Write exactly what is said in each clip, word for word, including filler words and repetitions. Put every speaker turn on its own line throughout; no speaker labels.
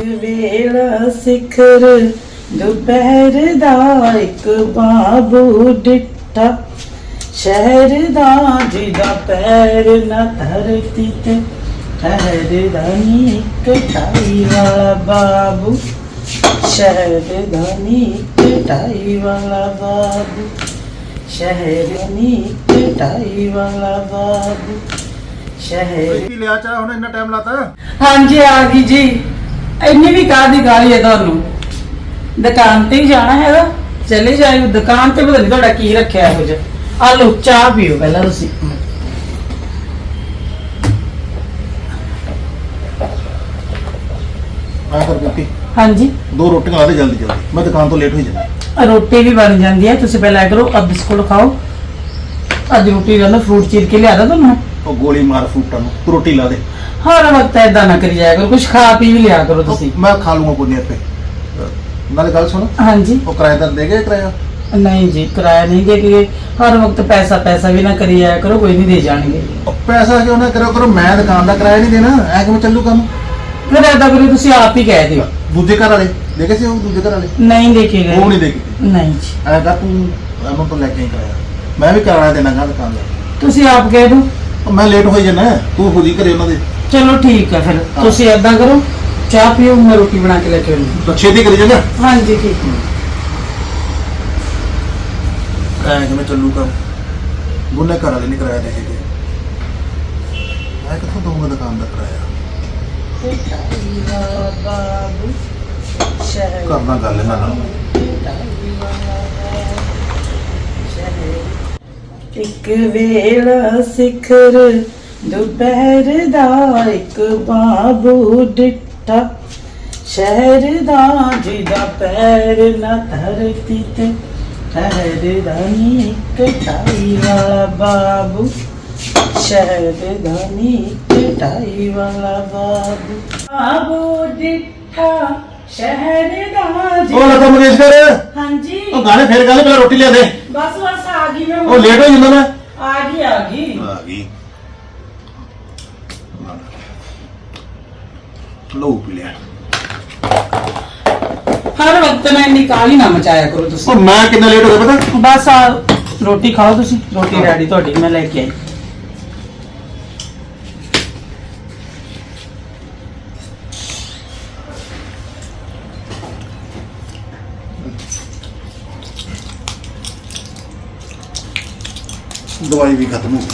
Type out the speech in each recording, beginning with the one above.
ਵੇਲਾ ਸਿਖਰ ਦੁਪਹਿਰ ਦਾ ਇੱਕ ਬਾਬੂ ਡਿੱਠਾ ਸ਼ਹਿਰ ਦਾ ਜਿਹਦਾ ਪੈਰ ਨਾ ਧਰਤੀ ਤੇ ਠਹਿਰਦਾ ਨੀ ਇੱਕ ਢਾਈ ਵਾਲਾ ਬਾਬੂ ਸ਼ਹਿਰ ਦਾ ਨੀ ਇੱਕ ਢਾਈ ਵਾਲਾ ਬਾਬੂ ਸ਼ਹਿਰ ਨੀ ਇੱਕ ਢਾਈ ਵਾਲਾ ਬਾਬੂ ਸ਼ਹਿਰ।
ਕੀ ਲਿਆ ਚਾਹ ਹੁਣ ਇੰਨਾ ਟਾਈਮ ਲਾਤਾ?
ਹਾਂਜੀ ਆ ਗਈ ਜੀ। ਇੰਨੀ ਵੀ ਕਾਹਦੀ ਗਾਲੀ ਹੈ ਤੁਹਾਨੂੰ? ਦੁਕਾਨ ਤੇ ਹੀ ਜਾਣਾ ਹੈਗਾ, ਚਲੇ ਜਾਇਓ ਦੁਕਾਨ ਤੇ। ਪਤਾ ਨਹੀਂ ਤੁਹਾਡਾ ਕੀ ਰੱਖਿਆ ਇਹੋ ਜਿਹਾ। ਆ ਲਓ ਚਾਹ ਪੀਓ ਪਹਿਲਾਂ ਤੁਸੀਂ।
ਆ ਕਰ ਦਿੱਤੀ
ਹਾਂਜੀ
ਦੋ ਰੋਟੀਆਂ ਲਾ ਦੇ ਜਲਦੀ ਜਲਦੀ, ਮੈਂ ਦੁਕਾਨ ਤੋਂ ਲੇਟ ਹੋਈ ਜਾਂਦਾ।
ਰੋਟੀ ਵੀ ਬਣ ਜਾਂਦੀ ਹੈ, ਤੁਸੀਂ ਪਹਿਲਾਂ ਇਹ ਕਰੋ, ਆ ਬਿਸਕੁਟ ਖਾਓ। ਅੱਜ ਰੋਟੀ ਦਾ ਨਾ ਫਰੂਟ ਚੀਰ ਕੇ ਲਿਆਦਾ ਤੁਹਾਨੂੰ।
ਉਹ ਗੋਲੀ ਮਾਰ ਫੂਟਾਂ ਨੂੰ, ਤੂੰ ਰੋਟੀ ਲਾ ਦੇ।
ਹਰ ਵਕਤ ਏਦਾਂ ਨਾ ਕਰੀ ਜਾਇਆ ਕਰੋ, ਕੁਝ ਖਾ ਪੀ ਵੀ ਲਿਆ ਕਰੋ ਤੁਸੀਂ।
ਮੈਂ ਖਾ ਲੂੰਗਾ ਕੋਈ ਨਹੀਂ ਆਪੇ। ਨਾਲੇ ਗੱਲ ਸੁਣ,
ਹਾਂਜੀ
ਉਹ ਕਿਰਾਏਦਾਰ ਦੇ ਗਏ ਕਿਰਾਇਆ?
ਨਹੀਂ ਜੀ ਕਿਰਾਇਆ ਨਹੀਂ ਦੇ ਕੇ। ਹਰ ਵਕਤ ਪੈਸਾ ਪੈਸਾ ਵੀ ਨਾ ਕਰੀ ਜਾਇਆ ਕਰੋ, ਕੋਈ ਨਹੀਂ ਦੇ ਜਾਣਗੇ।
ਉਹ ਪੈਸਾ ਕਿਉਂ ਨਾ ਕਰੋ ਕਰੋ, ਮੈਂ ਦੁਕਾਨ ਦਾ ਕਿਰਾਇਆ ਨਹੀਂ ਦੇਣਾ, ਐ ਕਿਵੇਂ ਚੱਲੂ ਕੰਮ?
ਫਿਰ ਏਦਾਂ ਕਰੋ, ਤੁਸੀਂ ਆਪ ਹੀ ਕਹਿ ਦਿਓ।
ਦੂਜੇ ਘਰ ਵਾਲੇ ਦੇ ਗਏ ਸੀ? ਉਹ ਦੂਜੇ ਘਰ ਵਾਲੇ
ਨਹੀਂ ਦੇ ਕੇ ਗਏ।
ਉਹ ਨਹੀਂ ਦੇ ਕੇ?
ਨਹੀਂ ਜੀ
ਐ ਕਰ ਤੂੰ ਇਹਨਾਂ ਤੋਂ ਲੈ ਕੇ ਕਿਰਾਇਆ, ਮੈਂ ਵੀ ਕਿਰਾਇਆ ਦੇਣਾ ਗਾ ਦੁਕਾਨ ਦਾ।
ਤੁਸੀਂ ਆਪ ਕਹਿ ਦਿਓ।
ਉਹ ਮੈਂ ਲੇਟ ਹੋਈ ਜਾਣਾ, ਤੂੰ ਖੁਦ ਹੀ ਘਰੇ ਉਹਨਾਂ ਦੇ।
ਚਲੋ ਠੀਕ ਹੈ, ਫਿਰ ਤੁਸੀਂ ਏਦਾਂ ਕਰੋ, ਚਾਹ ਪੀਓ, ਮੈਂ ਰੋਟੀ ਬਣਾ ਕੇ ਲੈ ਕੇ ਆਉਂਦੀ।
ਛੇਤੀ ਕਰੀ ਜਾਣਾ।
ਹਾਂਜੀ ਠੀਕ
ਐ ਕਿਵੇਂ ਚੱਲੂ ਕੰਮ? ਦੋਨੇ ਘਰ ਵਾਲੇ ਨਹੀਂ ਕਿਰਾਇਆ ਦੇ ਕੇ ਗਏ, ਮੈਂ ਕਿੱਥੋਂ ਦਊਂਗਾ ਦੁਕਾਨ ਦਾ ਕਿਰਾਇਆ? ਕਰਨਾ ਗੱਲ ਇਹਨਾਂ ਨਾਲ।
ਇੱਕ ਵੇਲਾ ਸਿਖਰ ਦੁਪਹਿਰ ਦਾ ਇੱਕ ਬਾਬੂ ਡਿੱਠਾ ਸ਼ਹਿਰ ਦਾ ਜਿਹਦਾ ਪੈਰ ਨਾ ਧਰਤੀ ਤੇ ਠਹਿਰਦਾ ਨੀ ਇੱਕ ਢਾਈ ਵਾਲਾ ਬਾਬੂ ਸ਼ਹਿਰ ਦਾ ਨੀ ਇੱਕ ਢਾਈ ਵਾਲਾ ਬਾਬੂ ਬਾਬੂ ਡਿੱਠਾ ਸ਼ਹਿਰ ਦਾ।
ਉਹ ਲਤਾ ਮੰਗੇਸ਼ਕਰ,
ਹਾਂਜੀ
ਉਹ ਗਾਣੇ ਫੇਰ ਗਾਣੇ, ਪਹਿਲਾਂ ਰੋਟੀ ਲਿਆ ਦੇ।
ਬਸ ਬਸ ਆ ਗਈ ਮੈਂ।
ਉਹ ਲੇਟ ਹੋ ਜਾਂਦਾ ਮੈਂ।
ਆ ਗਈ ਆ ਗਈ
ਆ ਗਈ। ਲੋ ਪੀ ਲਿਆ।
ਹਰ ਵਕਤ ਮੈਂ ਇੰਨੀ ਕਾਹਲੀ ਨਾ ਮਚਾਇਆ ਕਰੋ ਤੁਸੀਂ।
ਉਹ ਮੈਂ ਕਿੰਨਾ ਲੇਟ ਹੋ ਗਿਆ ਪਤਾ?
ਬਸ ਆ ਰੋਟੀ ਖਾਓ ਤੁਸੀਂ, ਰੋਟੀ ਰੈਡੀ ਤੁਹਾਡੀ ਮੈਂ ਲੈ ਕੇ ਆਈ।
ਦਵਾਈ ਵੀ ਖਤਮ ਹੋ ਗਈ।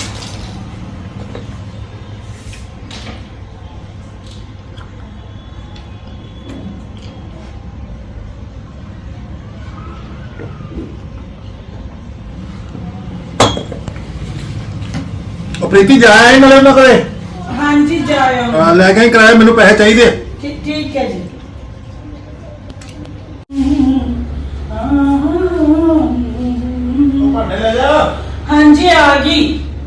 ਉਹ ਪ੍ਰੀਤੀ ਜਾਇਆ ਨਾਲੇ ਉਹਨਾਂ ਕੋਲੇ।
ਹਾਂਜੀ ਜਾਇਓ।
ਹਾਂ ਲੈ ਕੇ ਆਈ ਕਿਰਾਇਆ, ਮੈਨੂੰ ਪੈਸੇ ਚਾਹੀਦੇ।
ਠੀਕ ਠੀਕ ਹੈ ਜੀ।
ਉਹ ਭਾਂਡੇ ਲੈ ਜਾ।
ਹਾਂਜੀ ਆ ਗਈ।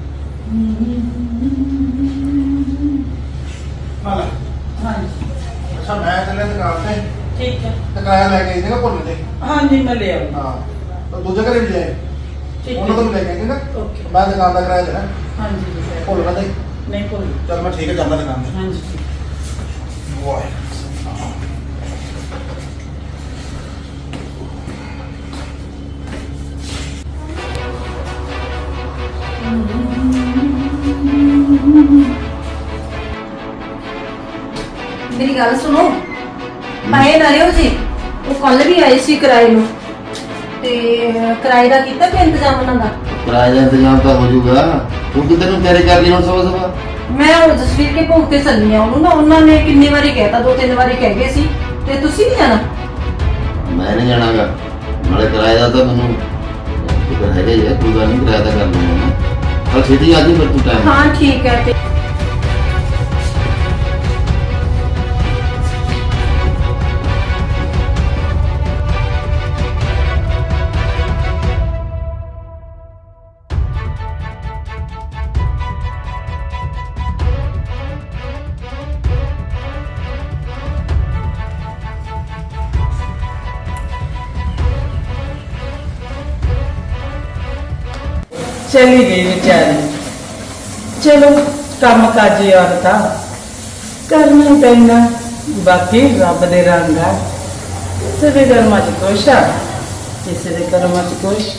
ਆ ਲੈ।
ਹਾਂਜੀ
ਅੱਛਾ ਮੈਂ ਚੱਲਿਆ ਦੁਕਾਨ ਤੇ,
ਠੀਕ ਹੈ।
ਤੇ ਕਿਰਾਇਆ ਲੈ ਕੇ ਆਈ ਸੀਗਾ ਭੁੱਲ ਤੇ।
ਹਾਂਜੀ ਮੈਂ ਲੈ ਆਉਂਦਾ।
ਹਾਂ ਤਾਂ ਦੂਜੇ ਘਰੇ ਵੀ ਜਾਏ,
ਠੀਕ
ਉਹਨਾਂ ਤੋਂ
ਹੈ
ਵੀ ਲੈ ਕੇ ਆਈ ਨਾ।
ਓਕੇ।
ਮੈਂ ਦੁਕਾਨ ਦਾ ਕਿਰਾਇਆ ਦੇਣਾ,
ਹਾਂਜੀ ਜੀ
ਭੁੱਲ ਨਾ ਦੇ।
ਨਹੀਂ ਭੁੱਲ।
ਚੱਲ ਮੈਂ ਠੀਕ ਹੈ ਜਾਂਦਾ ਦੁਕਾਨ ਤੇ।
ਹਾਂਜੀ ਠੀਕ।
ਵਾਹ
मेरी गल सुनो, पाए ना रहे हो जी। वो कल भी आए सी किराए नु ते किराए दा कीता कि इंतजाम उन्हां दा?
किराए का इंतजाम तो हो जाऊगा। तू किधर नु तेरे कर ली हुन सुबह सुबह?
मैं हुण जसवीर के भोग ते चलनी आ। उन्होंने ना उन्होंने कितनी बारी कहता, दो तीन बारी कह गए सी ते तुसी नहीं जाना?
मैं नहीं जानागा। नाले किराए का तो मैनू फिक्र है ही है, कोई गल नहीं, किराया तो कर लूंगा। कल छेती आ जी फिर तू टाइम।
हाँ ठीक है। ते
चली गई बेचारी। चलो काम काजी औरत करना पैना, ਬਾਕੀ ਰੱਬ ਦੇ ਰੰਗ ਆ, ਕਿਸੇ ਦੇ ਕਰਮਾਂ 'ਚ ਕੁਛ ਆ, ਕਿਸੇ ਦੇ ਕਰਮਾਂ 'ਚ ਕੁਛ।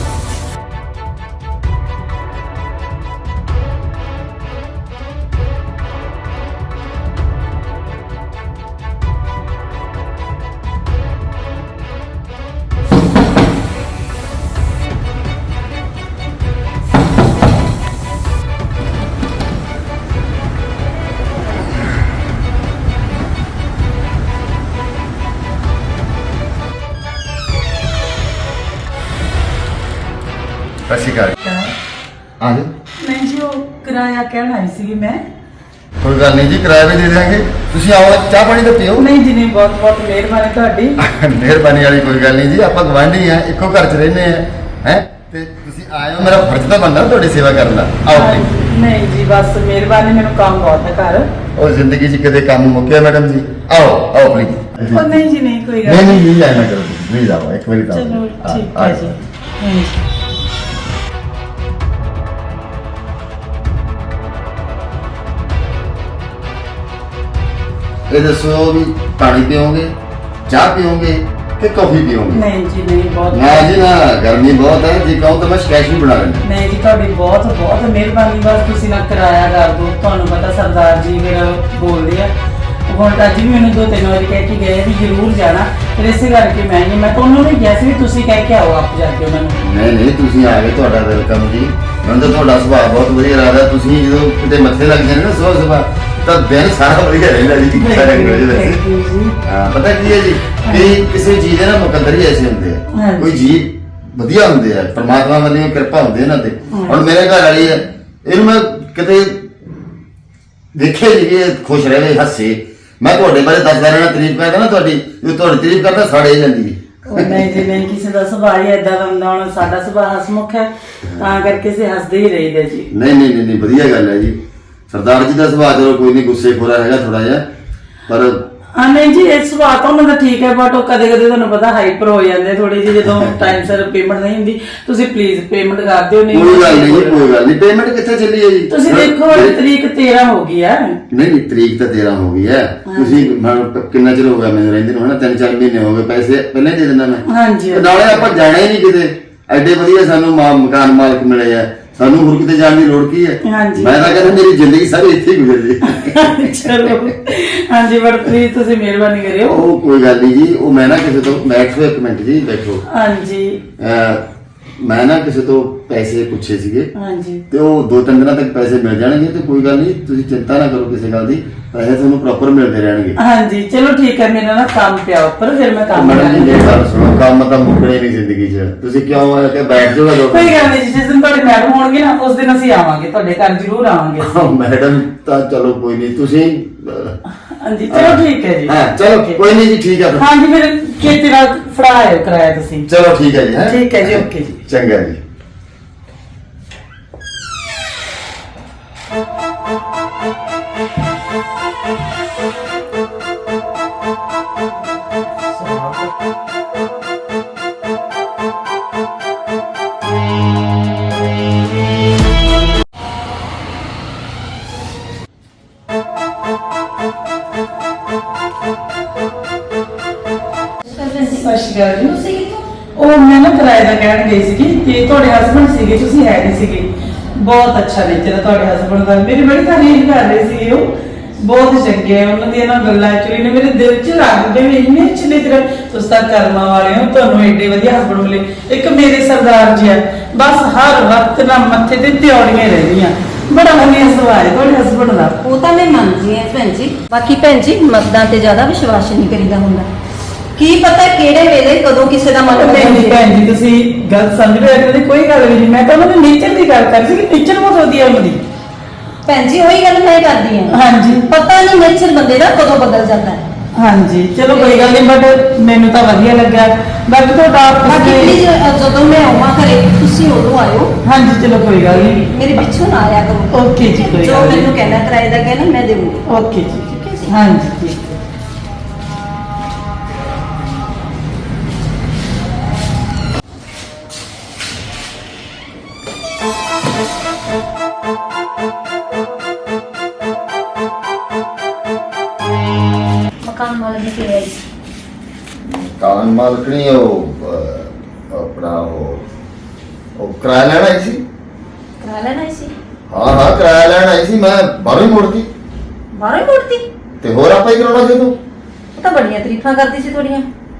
ਸਤਿ ਸ਼੍ਰੀ ਅਕਾਲ। ਆ ਜਾਓ।
ਨਹੀਂ ਜੀ, ਉਹ ਕਿਰਾਇਆ ਕਹਿਣ ਆਈ ਸੀਗੀ ਮੈਂ।
ਕੋਈ ਗੱਲ ਨਹੀਂ ਜੀ, ਕਿਰਾਇਆ ਵੀ ਦੇ ਦਿਆਂਗੇ। ਤੁਸੀਂ ਆਓ, ਚਾਹ ਪਾਣੀ ਤਾਂ ਪੀਓ।
ਨਹੀਂ ਜੀ ਨਹੀਂ, ਬਹੁਤ ਬਹੁਤ ਮਿਹਰਬਾਨੀ ਤੁਹਾਡੀ।
ਮਿਹਰਬਾਨੀ ਵਾਲੀ ਕੋਈ ਗੱਲ ਨਹੀਂ ਜੀ, ਆਪਾਂ ਗਵਾਂਢੀ ਆ, ਇੱਕੋ ਘਰ 'ਚ ਰਹਿੰਦੇ ਆ ਹੈ ਤੇ ਤੁਸੀਂ ਆਏ ਹੋ, ਮੇਰਾ ਫਰਜ਼ ਤਾਂ ਬਣਦਾ ਤੁਹਾਡੀ ਸੇਵਾ ਕਰਨ ਦਾ। ਆਓ please।
ਨਹੀਂ ਜੀ, ਬਸ ਮਿਹਰਬਾਨੀ, ਮੈਨੂੰ ਕੰਮ ਬਹੁਤ ਹੈ ਘਰ।
ਉਹ ਜ਼ਿੰਦਗੀ 'ਚ ਕਦੇ ਕੰਮ ਮੁੱਕਿਆ ਮੈਡਮ ਜੀ? ਆਓ ਆਓ ਪਲੀਜ਼।
ਉਹ ਨਹੀਂ ਜੀ ਨਹੀਂ, ਕੋਈ ਗੱਲ
ਨਹੀਂ ਨਹੀਂ ਜੀ, ਆਏ ਨਾ ਕਰੋ ਤੁਸੀਂ, ਪਲੀਜ਼ ਆਓ ਇੱਕ ਵਾਰੀ ਤਾਂ।
ਚਲੋ
ਆ-
ਠੀਕ
ਆ
ਹੈ
ਜਾਓ।
ਜੀ। ਹਾਂਜੀ।
ਇਹ ਦੱਸੋ ਵੀ ਪਾਣੀ ਪੀਓਗੇ, ਚਾਹ ਪੀਓਗੇ ਕਿ ਕੌਫੀ ਪੀਓਗੇ?
ਨਹੀਂ ਜੀ ਨਹੀਂ, ਬਹੁਤ
ਨਾ ਜੀ ਨਾ, ਗਰਮੀ ਬਹੁਤ ਹੈ ਜੀ, ਕਹੋ ਤਾਂ ਮੈਂ ਸਕੈਚ ਵੀ ਬਣਾ ਲੈਂਦਾ।
ਨਹੀਂ ਜੀ, ਤੁਹਾਡੀ ਬਹੁਤ ਬਹੁਤ ਮਿਹਰਬਾਨੀ। ਬਸ ਤੁਸੀਂ ਨਾ ਕਿਰਾਇਆ ਕਰ ਦਿਓ। ਤੁਹਾਨੂੰ ਪਤਾ ਸਰਦਾਰ ਜੀ ਫਿਰ ਬੋਲਦੇ ਆ। ਹੁਣ ਤਾਂ ਅੱਜ ਵੀ ਮੈਨੂੰ ਦੋ ਤਿੰਨ ਵਾਰੀ ਕਹਿ ਕੇ ਗਏ ਵੀ ਜ਼ਰੂਰ ਜਾਣਾ, ਫਿਰ ਇਸੇ ਕਰਕੇ ਮੈਂ ਨਹੀਂ, ਮੈਂ ਤੁਹਾਨੂੰ ਵੀ ਕਿਹਾ ਸੀ ਵੀ ਤੁਸੀਂ ਕਹਿ ਕੇ ਆਓ ਆਪ ਜਾ ਕੇ ਉਹਨਾਂ ਨੂੰ।
ਨਹੀਂ ਨਹੀਂ, ਤੁਸੀਂ ਆ ਗਏ, ਤੁਹਾਡਾ ਵੈਲਕਮ ਜੀ। ਮੈਨੂੰ ਤਾਂ ਤੁਹਾਡਾ ਸੁਭਾਅ ਬਹੁਤ ਵਧੀਆ ਲੱਗਦਾ। ਤੁਸੀਂ ਜਦੋਂ ਕਿਤੇ ਮੱਥੇ ਲੱਗ ਜਾਂਦੇ ਨਾ ਸੁਬਾਹ ਸੁਬਾਹ, ਤਾਂ ਦਿਨ ਸਾਰਾ ਵਧੀਆ ਰਹਿੰਦਾ ਜੀ। ਸਾਰੇ ਅੰਗਰੇਜ਼ ਵੈਸੇ
Thank you ਜੀ।
ਹਾਂ, ਪਤਾ ਕੀ ਹੈ ਜੀ, ਕਿ ਕਿਸੇ ਚੀਜ਼ ਦੇ ਨਾ ਮੁਕੱਦਰ ਹੀ ਐਸੇ ਹੁੰਦੇ ਆ।
ਹਾਂਜੀ।
ਕੋਈ ਜੀਵ ਵਧੀਆ ਹੁੰਦੇ ਆ, ਪਰਮਾਤਮਾ ਵੱਲੋਂ ਕਿਰਪਾ ਹੁੰਦੀ ਇਹਨਾਂ ਤੇ। ਹੁਣ ਮੇਰੇ ਘਰ ਵਾਲੀ ਹੈ, ਇਹਨੂੰ ਮੈਂ ਕਿਤੇ ਦੇਖਿਆ ਜੀ ਕਿ ਇਹ ਖੁਸ਼ ਰਹੇ, ਹੱਸੇ। ਮੈਂ ਤੁਹਾਡੇ ਬਾਰੇ ਦੱਸਦਾ ਰਹਿਣਾ, ਤਾਰੀਫ ਕਰਦਾ ਨਾ ਤੁਹਾਡੀ, ਜੋ ਤੁਹਾਡੀ ਤਾਰੀਫ ਕਰਦਾ ਸਾੜੇ ਜਾਂਦੀ ਹੈ।
ਉਹ ਨਹੀਂ ਜੀ ਨਹੀਂ, ਕਿਸੇ ਦਾ ਸੁਭਾਅ ਹੀ ਏਦਾਂ ਦਾ ਹੁੰਦਾ। ਹੁਣ ਸਾਡਾ ਸੁਭਾਅ ਹਸਮੁਖ ਹੈ, ਤਾਂ ਕਰਕੇ ਅਸੀਂ ਹੱਸਦੇ ਹੀ ਰਹੀਦਾ ਜੀ।
ਨਹੀਂ ਨਹੀਂ ਨਹੀਂ ਨਹੀਂ, ਵਧੀਆ ਗੱਲ ਹੈ ਜੀ। ਸਰਦਾਰ ਜੀ ਦਾ ਸੁਭਾਅ ਚਲੋ ਕੋਈ ਨਹੀਂ, ਗੁੱਸੇ ਖੋਰਾ ਹੈਗਾ ਥੋੜਾ ਜਿਹਾ, ਪਰ
ਹਾਂ ਨਹੀਂ ਜੀ, ਇਹ ਸੁਭਾਅ ਤਾਂ ਉਹਨਾਂ ਦਾ ਠੀਕ ਹੈ, ਬਟ ਉਹ ਕਦੇ ਕਦੇ ਤੁਹਾਨੂੰ ਪਤਾ ਹਾਈਪਰ ਹੋ ਜਾਂਦੇ ਥੋੜੀ ਜਿਹੀ, ਜਦੋਂ ਟਾਈਮ ਸਿਰ ਪੇਮੈਂਟ ਨਹੀਂ ਹੁੰਦੀ। ਤੁਸੀਂ ਪਲੀਜ਼ ਪੇਮੈਂਟ ਕਰ ਦਿਓ। ਨਹੀਂ
ਕੋਈ ਗੱਲ ਨਹੀਂ ਜੀ, ਕੋਈ ਗੱਲ ਨਹੀਂ। ਪੇਮੈਂਟ ਕਿੱਥੇ ਚੱਲੀ ਹੈ ਜੀ?
ਤੁਸੀਂ ਦੇਖੋ ਅੱਜ ਤਰੀਕ ਤੇਰਾਂ ਹੋ ਗਈ ਹੈ।
ਨਹੀਂ ਨਹੀਂ, ਤਰੀਕ ਤਾਂ ਤੇਰਾਂ ਹੋ ਗਈ ਹੈ। ਤੁਸੀਂ ਮੈਨੂੰ ਕਿੰਨਾ ਚਿਰ ਹੋ ਗਿਆ ਮੈਨੂੰ ਰਹਿੰਦੇ ਨੂੰ? ਹਨਾ ਤਿੰਨ ਚਾਰ ਮਹੀਨੇ ਹੋ ਗਏ, ਪੈਸੇ ਪਹਿਲਾਂ ਹੀ ਦੇ ਦਿੰਦਾ ਮੈਂ।
ਹਾਂਜੀ
ਤੇ ਨਾਲੇ ਆਪਾਂ ਜਾਣਾ ਹੀ ਨਹੀਂ ਕਿਤੇ, ਐਡੇ ਵਧੀਆ ਸਾਨੂੰ ਮਾ- ਮਕਾਨ ਮਾਲਕ ਮਿਲੇ ਆ, ਸਾਨੂੰ ਹੋਰ ਕਿਤੇ ਜਾਣ ਦੀ ਲੋੜ ਕੀ ਹੈ?
ਹਾਂਜੀ।
ਮੈਂ ਤਾਂ ਕਹਿੰਦਾ ਮੇਰੀ ਜ਼ਿੰਦਗੀ ਸਾਰੀ ਇੱਥੇ ਹੀ ਗੁਜ਼ਰ ਜੇ।
ਚਲੋ ਹਾਂਜੀ, ਬਟ ਪਲੀਜ਼ ਤੁਸੀਂ ਮਿਹਰਬਾਨੀ ਕਰਿਓ।
ਉਹ ਕੋਈ ਗੱਲ ਨਹੀਂ ਜੀ, ਉਹ ਮੈਂ ਨਾ ਕਿਸੇ ਤੋਂ, ਬੈਠੋ ਇੱਕ ਮਿੰਟ ਜੀ, ਬੈਠੋ।
ਹਾਂਜੀ
ਅਹ ਮੈਂ ਨਾ ਕਿਸੇ ਤੋਂ ਪੈਸੇ ਪੁੱਛੇ ਸੀਗੇ,
ਹਾਂਜੀ
ਤੇ ਉਹ ਦੋ ਤਿੰਨ ਦਿਨਾਂ ਤੱਕ ਪੈਸੇ ਮਿਲ ਜਾਣਗੇ। ਤੇ ਕੋਈ ਗੱਲ ਨਹੀਂ, ਤੁਸੀਂ ਚਿੰਤਾ ਨਾ ਕਰੋ ਕਿਸੇ ਗੱਲ ਦੀ, ਪੈਸੇ ਤੁਹਾਨੂੰ ਪ੍ਰੋਪਰ ਮਿਲਦੇ ਰਹਿਣਗੇ।
ਹਾਂਜੀ ਚਲੋ ਠੀਕ ਹੈ, ਮੇਰਾ ਨਾ ਕੰਮ ਪਿਆ ਉੱਪਰ, ਫਿਰ ਮੈਂ ਕੰਮ
ਮੈਡਮ ਜੀ
ਕਰਾਂਗੀ।
ਇਹ ਗੱਲ ਸੁਣੋ, ਕੰਮ ਤਾਂ ਮੁੱਕਣੇ ਨਹੀਂ ਜ਼ਿੰਦਗੀ 'ਚ। ਤੁਸੀਂ ਕਿਉਂ ਆ ਕੇ ਬੈਠ ਜਾਓਗਾ ਦੋ
ਕੋਈ ਗੱਲ ਨਹੀਂ ਜੀ, ਜਿਸ ਦਿਨ ਤੁਹਾਡੇ ਮੈਡਮ ਹੋਣਗੇ ਨਾ, ਉਸ ਦਿਨ ਅਸੀਂ ਆਵਾਂਗੇ, ਤੁਹਾਡੇ ਘਰ ਜ਼ਰੂਰ ਆਵਾਂਗੇ।
ਮੈਡਮ ਤਾਂ ਚਲੋ ਕੋਈ ਨਹੀਂ, ਤੁਸੀਂ ਅਹ,
ਹਾਂਜੀ ਚਲੋ ਠੀਕ ਹੈ ਜੀ।
ਹਾਂ ਚਲੋ
Okay।
ਕੋਈ ਨਹੀਂ ਜੀ, ਠੀਕ ਹੈ ਫਿਰ।
ਹਾਂਜੀ ਫਿਰ ਖੇਤੀ ਨਾਲ ਫੜਾ ਆਇਓ ਕਿਰਾਇਆ ਤੁਸੀਂ।
ਚਲੋ ਠੀਕ ਹੈ ਜੀ। ਹੈਂ?
ਠੀਕ ਹੈ ਜੀ, ਓਕੇ ਜੀ।
ਚੰਗਾ ਜੀ।
ਸਤਿ ਸ਼੍ਰੀ ਅਕਾਲ ਜੀ।
ਤੁਸੀਂ ਕਿੱਥੋਂ?
ਉਹ ਮੈਂ ਨਾ ਕਿਰਾਏ ਦਾ ਕਹਿਣ ਗਈ ਸੀਗੀ ਤੇ ਤੁਹਾਡੇ ਹਸਬੰਡ ਸੀਗੇ, ਤੁਸੀਂ ਹੈ ਨਹੀਂ ਸੀਗੇ। ਬਹੁਤ ਅੱਛਾ ਨੇਚਰ ਹੈ ਤੁਹਾਡੇ ਹਸਬੰਡ ਦਾ, ਮੇਰੀ ਬੜੀ ਤਾਰੀਫ ਕਰ ਰਹੇ ਸੀ ਉਹ। ਬਹੁਤ ਚੰਗੇ ਆ, ਉਹਨਾਂ ਦੀਆਂ ਨਾ ਗੱਲਾਂ ਐਕਚੁਅਲੀ ਨੇ ਮੇਰੇ ਦਿਲ 'ਚ ਰੱਖ ਗਏ ਵੀ ਇੰਨੇ ਅੱਛੇ ਨੇਚਰ। ਤੁਸੀਂ ਤਾਂ ਕਰਮਾਂ ਵਾਲੇ ਹੋ, ਤੁਹਾਨੂੰ ਏਡੇ ਵਧੀਆ ਹਸਬੰਡ ਮਿਲੇ। ਇੱਕ ਮੇਰੇ ਸਰਦਾਰ ਜੀ ਆ, ਬਸ ਹਰ ਵਕਤ ਨਾ ਮੱਥੇ ਤੇ ਤਿਉੜੀਆਂ ਰਹਿੰਦੀਆਂ। ਬੜਾ ਵਧੀਆ ਸੁਭਾਅ ਹੈ ਤੁਹਾਡੇ ਹਸਬੰਡ ਦਾ।
ਉਹ ਤਾਂ ਮੈਂ ਮੰਨਦੀ ਹਾਂ ਭੈਣ ਜੀ, ਬਾਕੀ ਭੈਣ ਜੀ ਮਰਦਾਂ ਤੇ ਜ਼ਿਆਦਾ ਵਿਸ਼ਵਾਸ ਨਹੀਂ ਕਰੀਦਾ ਹੁੰਦਾ। ਕੀ ਪਤਾ ਕਿਹੜੇ ਵੇਲੇ ਕਦੋਂ ਕਿਸੇ ਦਾ ਮਨ
ਨਹੀਂ
ਬਦਲ
ਨਹੀਂ
ਜਾਏ।
ਭੈਣ ਜੀ, ਤੁਸੀਂ ਗੱਲ ਸਮਝ ਰਹੇ ਹੋ, ਇਹਦੀ ਕੋਈ ਗੱਲ ਵੀ ਨਹੀਂ। ਮੈਂ ਤਾਂ ਉਹਨਾਂ ਦੇ ਨੇਚਰ ਦੀ ਗੱਲ ਕਰ ਰਹੀ ਸੀ ਕਿ ਨੇਚਰ ਬਹੁਤ ਵਧੀਆ ਉਹਨਾਂ ਦੀ।
ਭੈਣ ਜੀ ਉਹੀ ਗੱਲ ਮੈਂ ਕਰਦੀ ਹਾਂ।
ਹਾਂਜੀ
ਪਤਾ ਨਹੀਂ ਨੇਚਰ ਬੰਦੇ ਦਾ ਕਦੋਂ ਬਦਲ ਜਾਂਦਾ ਹੈ।
ਹਾਂਜੀ ਚਲੋ ਕੋਈ ਗੱਲ ਨਹੀਂ, ਬਟ ਮੈਨੂੰ ਤਾਂ ਵਧੀਆ ਲੱਗਾ। ਬਾਕੀ ਤੁਹਾਡਾ
ਬਾਕੀ ਪਲੀਜ਼ ਜਦੋਂ ਮੈਂ ਆਵਾਂ ਘਰੇ ਤੁਸੀਂ ਉਦੋਂ ਆਇਓ,
ਹਾਂਜੀ ਚਲੋ ਕੋਈ ਗੱਲ ਨਹੀਂ।
ਮੇਰੇ ਪਿੱਛੋਂ ਨਾ ਆਇਆ ਕਰੋ।
ਓਕੇ ਜੀ, ਕੋਈ
ਜੋ
ਗੱਲ
ਮੈਨੂੰ
ਨਹੀਂ।
ਕਹਿਣਾ ਕਿਰਾਏ ਦਾ ਕਹਿਣਾ ਮੈਂ ਦੇਵਾਂਗੀ।
ਓਕੇ ਜੀ,
ਠੀਕ ਹੈ ਜੀ।
ਹਾਂਜੀ ਠੀਕ ਹੈ।
ਮਾਲਕਣੀ ਕਿਵੇਂ ਆਈ ਸੀ?
ਮਕਾਨ ਮਾਲਕਣੀ ਉਹ ਅਹ, ਆਪਣਾ ਉਹ ਉਹ ਕਿਰਾਇਆ ਲੈਣ ਆਈ ਸੀ।
ਕਰਾ ਲੈਣਾ ਸੀ?
ਹਾਂ ਹਾਂ ਕਿਰਾਇਆ ਲੈਣ ਆਈ ਸੀ, ਮੈਂ ਬਾਹਰੋਂ ਹੀ ਮੁੜਦੀ
ਬਾਹਰੋਂ ਹੀ ਮੁੜਤੀ?
ਤੇ ਹੋਰ ਆਪਾਂ ਹੀ ਕਰਾਉਣਾ ਸੀ ਤੂੰ।
ਉਹ ਤਾਂ ਬੜੀਆਂ ਤਾਰੀਫਾਂ ਕਰਦੀ ਸੀ ਤੁਹਾਡੀਆਂ,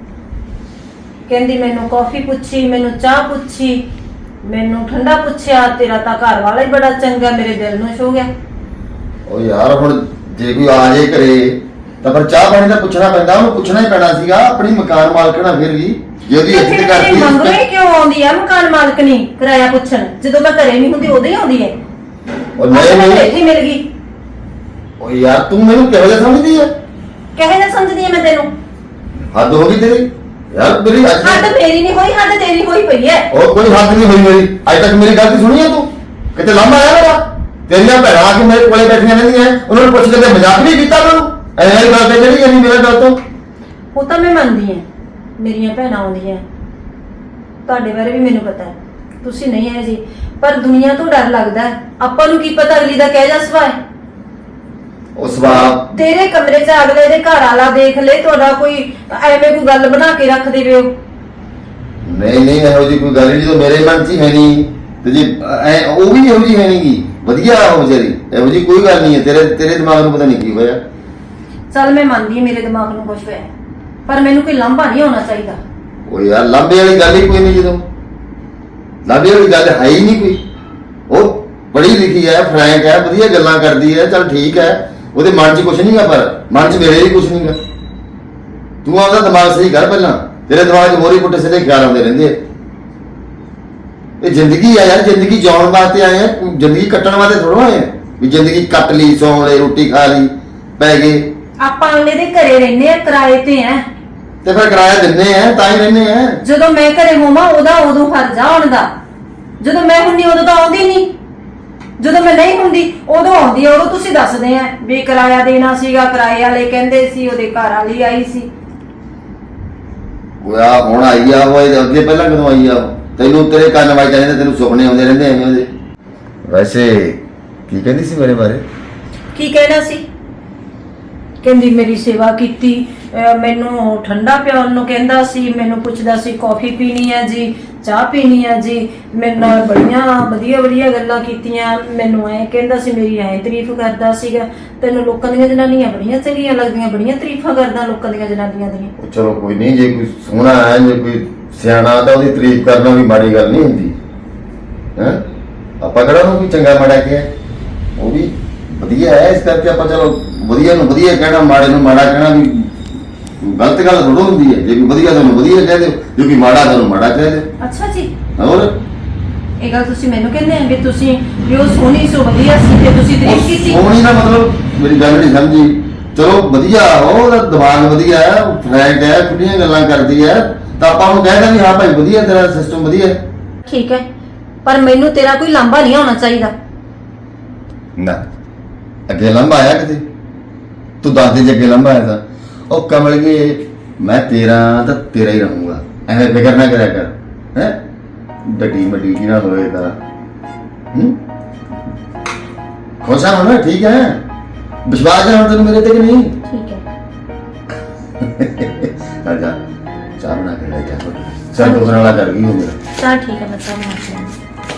ਕਹਿੰਦੀ ਮੈਨੂੰ ਕਾਫੀ ਪੁੱਛੀ, ਮੈਨੂੰ ਚਾਹ ਪੁੱਛੀ, ਮੈਨੂੰ ਠੰਡਾ ਪੁੱਛਿਆ, ਤੇਰਾ ਤਾਂ ਘਰ ਵਾਲਾ ਹੀ ਬੜਾ ਚੰਗਾ, ਮੇਰੇ ਦਿਲ ਨੂੰ ਛੋ ਗਿਆ।
ਉਹ ਯਾਰ ਹੁਣ ਜੇ ਕੋਈ ਆ ਜੇ ਘਰੇ ਤਾਂ ਫਿਰ ਚਾਹ ਪਾਣੀ ਦਾ ਪੁੱਛਣਾ ਪੈਂਦਾ, ਉਹਨੂੰ ਪੁੱਛਣਾ ਹੀ ਪੈਣਾ ਸੀਗਾ। ਆਪਣੀ ਮਕਾਨ ਮਾਲਕਣਾ ਫਿਰ ਵੀ ਜੇ ਉਹਦੀ ਇੱਜ਼ਤ ਕਰਦੀ
ਮੰਗਣੇ ਕਿਉਂ ਆਉਂਦੀ ਆ ਮਕਾਨ ਮਾਲਕਣੀ ਕਿਰਾਇਆ ਪੁੱਛਣ? ਜਦੋਂ ਮੈਂ ਘਰੇ ਨਹੀਂ ਹੁੰਦੀ ਉਦੋਂ ਹੀ ਆਉਂਦੀ ਹੈ।
ਉਹ ਨਹੀਂ
ਮੈਨੂੰ
ਨਹੀਂ
ਇੱਥੇ ਮਿਲ ਗਈ।
ਉਹ ਯਾਰ ਤੂੰ ਮੈਨੂੰ ਕਿਹੋ ਜਿਹਾ ਸਮਝਦੀ ਹੈ?
ਕਹੇ ਨਾ ਸਮਝਦੀ ਆ ਮੈਂ ਤੈਨੂੰ?
ਹੱਦ ਹੋ ਗਈ ਤੇਰੀ ਯਾਰ। ਮੇਰੀ ਅੱਜ
ਹੱਦ ਮੇਰੀ ਨਹੀਂ ਹੋਈ, ਹੱਦ ਤੇਰੀ ਹੋਈ ਪਈ ਹੈ।
ਉਹ ਕੋਈ ਹੱਦ ਨਹੀਂ ਹੋਈ ਮੇਰੀ। ਅੱਜ ਤੱਕ ਮੇਰੀ ਗਲਤੀ ਸੁਣੀ ਹੈ ਤੂੰ? ਕਿਤੇ ਲੰਮਾ ਆਇਆ ਮੇਰਾ? ਤੇਰੀਆਂ ਭੈਣਾਂ ਆ ਕੇ ਮੇਰੇ ਕੋਲੇ ਬੈਠੀਆਂ ਰਹਿੰਦੀਆਂ, ਉਹਨਾਂ ਨੂੰ ਪੁੱਛ ਕੇ ਤੇ ਮਜ਼ਾਕ ਨਹੀਂ ਕੀਤਾ ਮੈਨੂੰ? ਐਵੇਂ ਗੱਲ ਤੇ ਜਿਹੜੀ ਨਹੀਂ ਮੇਰਾ ਗੱਲ ਤੋਂ।
ਉਹ ਤਾਂ ਮੈਂ ਮੰਨਦੀ ਹਾਂ, ਮੇਰੀਆਂ ਭੈਣਾਂ ਆਉਂਦੀਆਂ, ਤੁਹਾਡੇ ਬਾਰੇ ਵੀ ਮੈਨੂੰ ਪਤਾ ਹੈ, ਤੁਸੀਂ ਨਹੀਂ ਹੈ ਜੀ। ਪਰ ਦੁਨੀਆ ਤੋਂ ਡਰ ਲੱਗਦਾ ਹੈ, ਆਪਾਂ ਨੂੰ ਕੀ ਪਤਾ ਅਗਲੀ ਦਾ ਕਹਿ ਜਾ ਸੁਭਾਅ ਹੈ।
ਉਹ ਸਵਾਬ
ਤੇਰੇ ਕਮਰੇ 'ਚ ਅਗਲੇ ਦੇ ਘਰ ਵਾਲਾ ਦੇਖ ਲੈ, ਤੁਹਾਡਾ ਕੋਈ ਐਵੇਂ ਕੋਈ ਗੱਲ ਬਣਾ ਕੇ ਰੱਖ ਦੇਵੇ ਉਹ।
ਨਹੀਂ ਨਹੀਂ ਇਹੋ ਜਿਹੀ ਕੋਈ ਗੱਲ ਨਹੀਂ, ਜਦੋਂ ਮੇਰੇ ਮਨ 'ਚ ਹੀ ਹੈ ਨਹੀਂ ਤੇ ਜੇ ਐ ਉਹ ਵੀ ਇਹੋ ਜਿਹੀ ਹੈ ਨਹੀਂਗੀ, ਵਧੀਆ ਉਹ ਵਿਚਾਰੀ, ਇਹੋ ਜਿਹੀ ਕੋਈ ਗੱਲ ਨਹੀਂ ਹੈ। ਤੇਰੇ ਤੇਰੇ ਦਿਮਾਗ ਨੂੰ ਪਤਾ ਨਹੀਂ ਕੀ ਹੋਇਆ।
ਚੱਲ ਮੈਂ ਮੰਨਦੀ ਹਾਂ ਮੇਰੇ ਦਿਮਾਗ ਨੂੰ ਕੁਝ ਹੋਇਆ, ਪਰ ਮੈਨੂੰ ਕੋਈ ਲਾਂਭਾ ਨਹੀਂ ਹੋਣਾ ਚਾਹੀਦਾ।
ਉਹ ਯਾਰ ਲਾਂਭੇ ਵਾਲੀ ਗੱਲ ਹੀ ਕੋਈ ਨਹੀਂ, ਜਦੋਂ ਲਾਂਭੇ ਵਾਲੀ ਗੱਲ ਹੈ ਹੀ ਨਹੀਂ ਕੋਈ। ਉਹ ਪੜ੍ਹੀ ਲਿਖੀ ਹੈ, ਫਰੈਂਕ ਹੈ, ਵਧੀਆ ਗੱਲਾਂ ਕਰਦੀ ਹੈ, ਚੱਲ ਠੀਕ ਹੈ, ਉਹਦੇ ਮਨ 'ਚ ਕੁਛ ਨਹੀਂਗਾ, ਪਰ ਮਨ 'ਚ ਮੇਰੇ ਹੀ ਕੁਛ ਨਹੀਂਗਾ। ਤੂੰ ਆਪਦਾ ਦਿਮਾਗ ਸਹੀ ਕਰ ਪਹਿਲਾਂ, ਤੇਰੇ ਦਿਮਾਗ 'ਚ ਮੋਰੀ ਪੁੱਟੇ ਸਿੱਧੇ ਖਿਆਲ ਆਉਂਦੇ ਰਹਿੰਦੇ ਆ। ਇਹ ਜ਼ਿੰਦਗੀ ਆ ਯਾਰ, ਜ਼ਿੰਦਗੀ ਜਿਉਣ ਵਾਸਤੇ ਆਏ ਆ, ਜ਼ਿੰਦਗੀ ਕੱਟਣ ਵਾਸਤੇ ਥੋੜ੍ਹਾ ਆਏ ਆ ਵੀ ਜ਼ਿੰਦਗੀ ਕੱਟ ਲਈ, ਸੌਂ ਲਈ, ਰੋਟੀ ਖਾ ਲਈ, ਪੈ ਗਏ।
ਆਪਾਂ ਅਗਲੇ ਦੇ ਘਰੇ ਰਹਿੰਦੇ ਆ, ਕਿਰਾਏ ਤੇ ਆ,
ਤੇ ਫਿਰ ਕਿਰਾਇਆ ਦਿੰਦੇ ਆ ਤਾਂ ਹੀ ਰਹਿੰਦੇ ਆ।
ਜਦੋਂ ਮੈਂ ਘਰੇ ਹੋਵਾਂ ਉਹਦਾ ਉਦੋਂ ਫਰਜ਼ ਆ ਆਉਣ ਦਾ, ਜਦੋਂ ਮੈਂ ਹੁੰਦੀ ਉਦੋਂ ਤਾਂ ਆਉਂਦੀ ਨਹੀਂ, ਜਦੋਂ ਮੈਂ ਨਹੀਂ ਹੁੰਦੀ ਉਦੋਂ ਆਉਂਦੀ ਆ। ਉਦੋਂ ਤੁਸੀਂ ਦੱਸਦੇ ਆ ਵੀ ਕਿਰਾਇਆ ਦੇਣਾ ਸੀਗਾ, ਕਿਰਾਏ ਵਾਲੇ ਕਹਿੰਦੇ ਸੀ, ਉਹਦੇ ਘਰ ਵਾਲੀ ਆਈ ਸੀ।
ਉਹ ਆ ਹੁਣ ਆਈ ਆ, ਉਹ ਇਹਦੇ ਅੱਗੇ ਪਹਿਲਾਂ ਕਦੋਂ ਆਈ ਆ? ਤੈਨੂੰ ਤੇਰੇ ਕੰਨ ਵੱਜਦੇ ਰਹਿੰਦੇ, ਤੈਨੂੰ ਸੁਪਨੇ ਆਉਂਦੇ ਰਹਿੰਦੇ ਐਵੇਂ ਉਹਦੇ। ਵੈਸੇ ਕੀ ਕਹਿੰਦੀ ਸੀ ਮੇਰੇ ਬਾਰੇ?
ਕੀ ਕਹਿਣਾ ਸੀ? ਕਹਿੰਦੀ ਮੇਰੀ ਸੇਵਾ ਕੀਤੀ, ਅਹ ਮੈਨੂੰ ਠੰਡਾ ਪਿਆਉਣ ਨੂੰ ਕਹਿੰਦਾ ਸੀ, ਮੈਨੂੰ ਪੁੱਛਦਾ ਸੀ ਕਾਫੀ ਪੀਣੀ ਹੈ ਜੀ, ਚਾਹ ਪੀਣੀ ਹੈ ਜੀ, ਮੇਰੇ ਨਾਲ ਬੜੀਆਂ ਵਧੀਆ ਵਧੀਆ ਗੱਲਾਂ ਕੀਤੀਆਂ, ਮੈਨੂੰ ਐ ਕਹਿੰਦਾ ਸੀ, ਮੇਰੀ ਐ ਤਾਰੀਫ ਕਰਦਾ ਸੀਗਾ। ਤੈਨੂੰ ਲੋਕਾਂ ਦੀਆਂ ਜਨਾਨੀਆਂ ਬੜੀਆਂ ਚੰਗੀਆਂ ਲੱਗਦੀਆਂ, ਬੜੀਆਂ ਤਾਰੀਫਾਂ ਕਰਦਾ ਲੋਕਾਂ ਦੀਆਂ ਜਨਾਨੀਆਂ ਦੀਆਂ।
ਚਲੋ ਕੋਈ ਨਹੀਂ, ਜੇ ਕੋਈ ਸੋਹਣਾ ਹੈ, ਜੇ ਕੋਈ ਸਿਆਣਾ ਤਾਂ ਉਹਦੀ ਤਾਰੀਫ ਕਰਨਾ ਵੀ ਮਾੜੀ ਗੱਲ ਨਹੀਂ ਹੁੰਦੀ ਹੈ। ਆਪਾਂ ਕਿਹੜਾ ਉਹਨੂੰ ਕੋਈ ਚੰਗਾ ਮਾੜਾ ਕਿਹਾ, ਉਹ ਵੀ ਵਧੀਆ ਹੈ, ਇਸ ਕਰਕੇ ਆਪਾਂ ਚਲੋ ਵਧੀਆ ਨੂੰ ਵਧੀਆ ਕਹਿਣਾ, ਮਾੜੇ ਨੂੰ ਮਾੜਾ ਕਹਿਣਾ ਵੀ ਗਲਤ ਗੱਲ ਥੋੜ੍ਹਾ ਹੁੰਦੀ ਹੈ। ਜੇ ਕੋਈ ਵਧੀਆ ਤੁਹਾਨੂੰ ਵਧੀਆ ਕਹਿ ਦਿਓ, ਜੇ ਕੋਈ ਮਾੜਾ ਤੁਹਾਨੂੰ ਮਾੜਾ ਕਹਿ ਦਿਓ।
ਅੱਛਾ ਜੀ,
ਹੋਰ
ਇਹ ਗੱਲ ਤੁਸੀਂ ਮੈਨੂੰ ਕਹਿੰਦੇ ਆ ਵੀ ਤੁਸੀਂ ਵੀ ਉਹ ਸੋਹਣੀ ਸੋ ਵਧੀਆ ਸੀ ਤੇ ਤੁਸੀਂ ਤਾਰੀਫ ਕੀਤੀ?
ਸੋਹਣੀ ਦਾ ਮਤਲਬ ਮੇਰੀ ਗੱਲ ਨਹੀਂ ਸਮਝੀ। ਚਲੋ ਵਧੀਆ, ਉਹਦਾ ਦਿਮਾਗ ਵਧੀਆ ਹੈ, ਫਰੈਂਕ ਹੈ, ਖੁੱਲੀਆਂ ਗੱਲਾਂ ਕਰਦੀ ਹੈ, ਤਾਂ ਆਪਾਂ ਉਹਨੂੰ ਕਹਿ ਦਾਂਗੇ ਹਾਂ ਭਾਈ ਵਧੀਆ, ਤੇਰਾ ਸਿਸਟਮ ਵਧੀਆ ਹੈ।
ਠੀਕ ਹੈ, ਪਰ ਮੈਨੂੰ ਤੇਰਾ ਕੋਈ ਲਾਂਭਾ ਨਹੀਂ ਹੋਣਾ ਚਾਹੀਦਾ।
ਨਾ ਅੱਗੇ ਲੰਬਾ ਆਇਆ ਕਿਤੇ? ਤੂੰ ਦੱਸ ਦੇ ਜੇ ਅੱਗੇ ਲੰਬਾ ਆਇਆ ਤਾਂ। ਉਹ ਕਮਲ ਗਏ, ਮੈਂ ਤੇਰਾ ਤਾਂ ਤੇਰਾ ਹੀ ਰਹੂੰਗਾ, ਐਵੇਂ ਫਿਕਰ ਨਾ ਕਰਿਆ ਕਰ ਹੈ। ਡੱਡੀ ਮੱਡੀ ਕੀ ਨਾ ਹੋਏ ਤਾਂ ਹੂੰ ਖੁਸ਼ ਹਾਂ ਨਾ? ਠੀਕ ਹੈ, ਵਿਸ਼ਵਾਸ ਹੈ ਹੁਣ ਤੈਨੂੰ ਮੇਰੇ ਤੇ ਕਿ ਨਹੀਂ?
ਠੀਕ ਹੈ,
ਆ ਜਾ ਚਾਹ ਬਣਾ ਕੇ ਲੈ ਜਾ, ਸਰ ਤੋਂ ਵਾਲਾ ਕਰ ਗਈ ਹੋ ਮੇਰਾ।
ਚਲ ਠੀਕ ਹੈ, ਮੈਂ ਚਾਹ ਬਣਾ ਕੇ ਲਿਆਉਂਦੀ।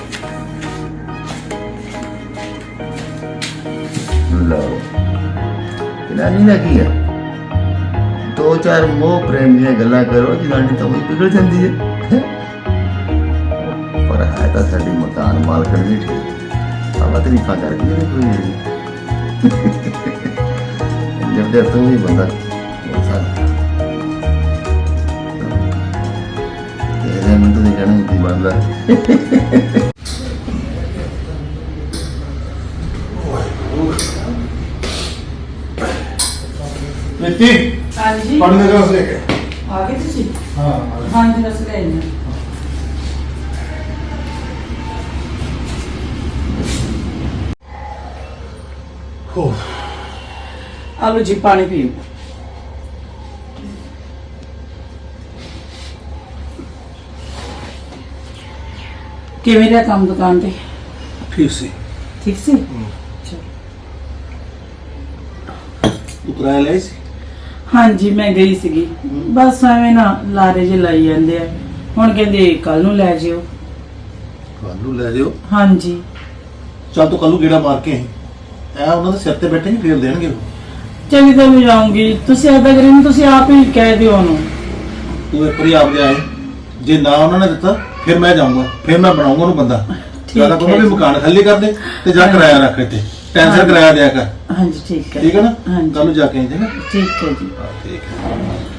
ਲਓ ਜਨਾਨੀ ਦਾ ਕੀ ਹੈ, ਦੋ ਚਾਰ ਮੋਹ ਪ੍ਰੇਮ ਦੀਆਂ ਗੱਲਾਂ ਕਰੋ, ਜਨਾਨੀ ਤਾਂ ਉਹੀ ਪਿਘਲ ਜਾਂਦੀ ਹੈ। ਪਰ ਹੈ ਤਾਂ ਸਾਡੀ ਮਕਾਨ ਮਾਲਕਣ ਵੀ ਠੀਕ, ਆਵਾ ਤਰੀਫਾਂ ਕਰਦੀ ਹੈ ਕੋਈ ਜਦ ਦੇ ਤੂੰ ਵੀ ਬੰਦਾ ਸਾਡਾ ਤੇਰੇ ਮਨ ਤੋਂ ਜਾਣੂ ਕੀ ਬੰਦਾ।
ਨੀਤੀ
ਹਾਂਜੀ
ਪਾਣੀ ਦਾ ਗਲਾਸ ਲੈ ਕੇ
ਆ ਗਏ ਤੁਸੀਂ?
ਹਾਂ
ਹਾਂਜੀ ਰਸ ਲੈ ਆਈ ਹਾਂ।
ਹੋ
ਆਲੋ ਜੀ ਪਾਣੀ ਪੀਓ। ਕਿਵੇਂ ਰਿਹਾ ਕੰਮ ਦੁਕਾਨ ਤੇ?
ਠੀਕ ਸੀ।
ਠੀਕ ਸੀ?
ਤੂੰ ਕਿਰਾਇਆ ਲਿਆ ਸੀ?
ਹਾਂਜੀ ਮੈਂ ਗਈ ਸੀਗੀ ਬਸ ਐਵੇਂ ਨਾ ਲਾਰੇ ਜੇ ਲਾਈ ਜਾਂਦੇ ਆ ਹੁਣ ਕਹਿੰਦੇ ਕੱਲ ਨੂੰ ਲੈ ਜਿਓ
ਕੱਲ ਨੂੰ ਲੈ ਜਿਓ।
ਹਾਂਜੀ
ਚੱਲ ਤੂੰ ਕੱਲ ਨੂੰ ਗੇੜਾ ਮਾਰ ਕੇ ਆਈ। ਐ ਉਹਨਾਂ ਦੇ ਸਿਰ ਤੇ ਬੈਠੇ ਨਹੀਂ ਫੇਰ ਦੇਣਗੇ ਉਹ।
ਚੰਗੀ ਤਾਂ ਮੈਂ ਜਾਊਂਗੀ ਤੁਸੀਂ ਏਦਾਂ ਕਰੀ ਨੂੰ ਤੁਸੀਂ ਆਪ ਹੀ ਕਹਿ ਦਿਓ ਉਹਨੂੰ
ਤੂੰ ਇੱਕ ਵਾਰੀ ਆਪ ਲਿਆਏ, ਜੇ ਨਾ ਉਹਨਾਂ ਨੇ ਦਿੱਤਾ ਫਿਰ ਮੈਂ ਜਾਊਂਗਾ, ਫਿਰ ਮੈਂ ਬਣਾਉਂਗਾ ਉਹਨੂੰ ਬੰਦਾ। ਜਿਆਦਾ ਕੋਈ ਵੀ ਮਕਾਨ ਖਾਲੀ ਕਰ ਦੇ ਤੇ ਜਾ ਕਿਰਾਇਆ ਰੱਖ ਇੱਥੇ, ਟੈਂਸ਼ਨ ਕਿਰਾਇਆ ਦਿਆ ਕਰ।
ਹਾਂਜੀ ਠੀਕ ਹੈ
ਠੀਕ ਹੈ ਨਾ?
ਹਾਂਜੀ
ਕੱਲ ਨੂੰ ਜਾ ਕੇ ਆਈ ਜੇ ਨਾ।
ਠੀਕ ਹੈ ਜੀ
ਹਾਂ ਠੀਕ ਹੈ।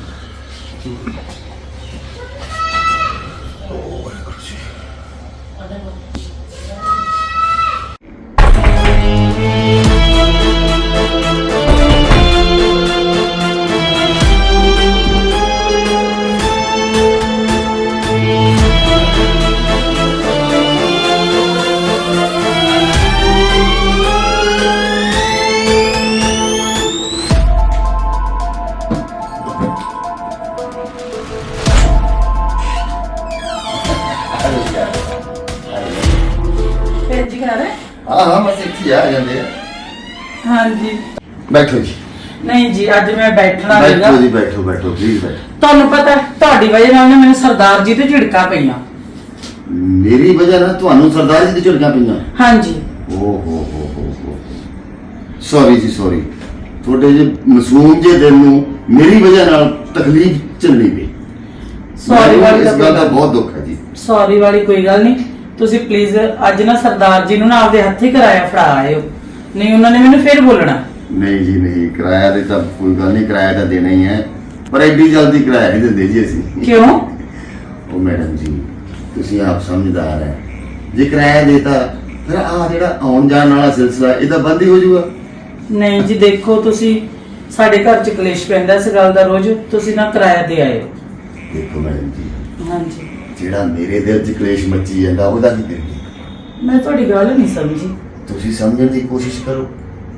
ਭੈਣ ਜੀ ਘਰ ਹੈ
ਹਾਂ ਹਾਂ ਬਸ ਇੱਥੇ ਆ ਜਾਂਦੇ ਆ।
ਹਾਂਜੀ
ਬੈਠੋ ਜੀ
ਨਹੀਂ ਜੀ ਅੱਜ ਮੈਂ ਬੈਠਣਾ ਹੈਗਾ
ਬੈਠੋ ਜੀ ਬੈਠੋ ਬੈਠੋ ਪਲੀਜ਼ ਬੈਠੋ।
ਤੁਹਾਨੂੰ ਪਤਾ ਹੈ, ਤੁਹਾਡੀ ਵਜ੍ਹਾ ਨਾਲ ਨਾ ਮੈਨੂੰ ਸਰਦਾਰ ਜੀ ਤੇ ਝਿੜਕਾਂ ਪਈਆਂ
ਮੇਰੀ ਵਜ੍ਹਾ ਨਾਲ ਤੁਹਾਨੂੰ ਸਰਦਾਰ ਜੀ ਦੀ ਝਿੜਕਾਂ ਪਈਆਂ?
ਹਾਂਜੀ
ਓ ਹੋ ਹੋ ਹੋ ਹੋ ਸੌਰੀ ਜੀ ਸੌਰੀ, ਤੁਹਾਡੇ ਜੇ ਮਾਸੂਮ ਜੇ ਦਿਲ ਨੂੰ ਮੇਰੀ ਵਜ੍ਹਾ ਨਾਲ ਤਕਲੀਫ ਚੱਲਣੀ ਪਈ।
ਸੌਰੀ ਵਾਲੀ
ਇਸ ਗੱਲ ਦਾ
ਤਾਂ
ਬਹੁਤ ਦੁੱਖ ਹੈ ਜੀ।
ਸੌਰੀ ਵਾਲੀ ਕੋਈ ਗੱਲ ਨਹੀਂ ਤੁਸੀਂ ਪਲੀਜ਼ ਅੱਜ ਨਾ ਸਰਦਾਰ ਜੀ ਨੂੰ ਨਾ ਆਪਦੇ ਹੱਥੀ ਕਿਰਾਇਆ ਫੜਾ ਆਇਓ ਨਹੀਂ ਉਹਨਾਂ ਨੇ ਮੈਨੂੰ ਫੇਰ ਬੋਲਣਾ।
ਨਹੀਂ ਜੀ ਨਹੀਂ, ਕਿਰਾਇਆ ਦੇ ਤਾਂ ਕੋਈ ਗੱਲ ਨਹੀਂ, ਕਿਰਾਇਆ ਤਾਂ ਦੇਣਾ ਹੀ ਹੈ, ਪਰ ਐਡੀ ਜਲਦੀ ਕਿਰਾਇਆ ਨਹੀਂ ਦਿੰਦੇ ਜੀ ਅਸੀਂ।
ਕਿਉਂ?
ਉਹ ਮੈਡਮ ਜੀ ਤੁਸੀਂ ਆਪ ਸਮਝਦਾਰ ਹੈ, ਜੇ ਕਿਰਾਇਆ ਦੇਤਾ ਫਿਰ ਆ ਜਿਹੜਾ ਆਉਣ ਜਾਣ ਵਾਲਾ ਸਿਲਸਿਲਾ ਇਹ ਤਾਂ ਬੰਦ ਹੀ ਹੋ ਜਾਊਗਾ।
ਨਹੀਂ ਜੀ ਦੇਖੋ ਤੁਸੀਂ ਸਾਡੇ ਘਰ ਚ ਕਲੇਸ਼ ਪੈਂਦਾ ਇਸ ਗੱਲ ਦਾ ਰੋਜ਼, ਤੁਸੀਂ ਨਾ ਕਿਰਾਇਆ ਦੇ ਆਇਓ।
ਦੇਖੋ ਮੈਡਮ ਜੀ
ਹਾਂਜੀ
ਜਿਹੜਾ ਮੇਰੇ ਦਿਲ 'ਚ ਕਲੇਸ਼ ਮੱਚੀ ਜਾਂਦਾ ਉਹਦਾ ਕੀ ਕਰੀਏ?
ਮੈਂ ਤੁਹਾਡੀ ਗੱਲ ਨਹੀਂ ਸਮਝੀ।
ਤੁਸੀਂ ਸਮਝਣ ਦੀ ਕੋਸ਼ਿਸ਼ ਕਰੋ।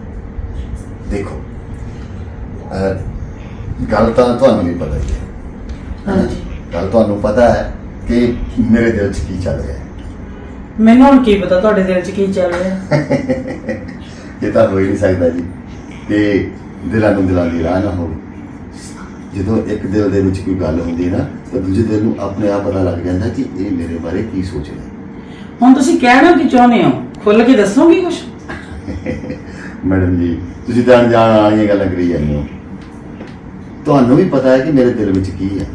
ਦੇਖੋ ਅਹ, ਗੱਲ ਤਾਂ ਤੁਹਾਨੂੰ ਵੀ ਪਤਾ ਹੀ ਹੈ।
ਹਾਂਜੀ
ਗੱਲ ਤੁਹਾਨੂੰ ਪਤਾ ਹੈ ਕਿ ਮੇਰੇ ਦਿਲ 'ਚ ਕੀ ਚੱਲ ਰਿਹਾ ਹੈ।
ਮੈਨੂੰ ਹੁਣ ਕੀ ਪਤਾ ਤੁਹਾਡੇ ਦਿਲ ਚ ਕੀ ਚੱਲ ਰਿਹਾ।
ਇਹ ਤਾਂ ਹੋ ਹੀ ਨਹੀਂ ਸਕਦਾ ਜੀ ਕਿ ਦਿਲਾਂ ਨੂੰ ਦਿਲਾਂ ਦੀ ਰਾਹ ਨਾ ਹੋਵੇ। ਜਦੋਂ ਇੱਕ ਦਿਲ ਦੇ ਵਿੱਚ ਕੋਈ ਗੱਲ ਹੁੰਦੀ ਹੈ ਨਾ ਤਾਂ ਦੂਜੇ ਦਿਲ ਨੂੰ ਆਪਣੇ ਆਪ ਪਤਾ ਲੱਗ ਜਾਂਦਾ ਕਿ ਇਹ ਮੇਰੇ ਬਾਰੇ ਕੀ ਸੋਚ ਰਿਹਾ।
ਹੁਣ ਤੁਸੀਂ ਕਹਿਣਾ ਕੀ ਚਾਹੁੰਦੇ ਹੋ, ਖੁੱਲ ਕੇ ਦੱਸੋਗੇ ਕੁਝ?
ਮੈਡਮ ਜੀ ਤੁਸੀਂ ਤਾਂ ਅਣਜਾਣ ਵਾਲੀਆਂ ਗੱਲਾਂ ਕਰੀ ਜਾਂਦੇ ਹੋ। ਤੁਹਾਨੂੰ ਵੀ ਪਤਾ ਹੈ ਕਿ ਮੇਰੇ ਦਿਲ ਵਿੱਚ ਕੀ ਹੈ।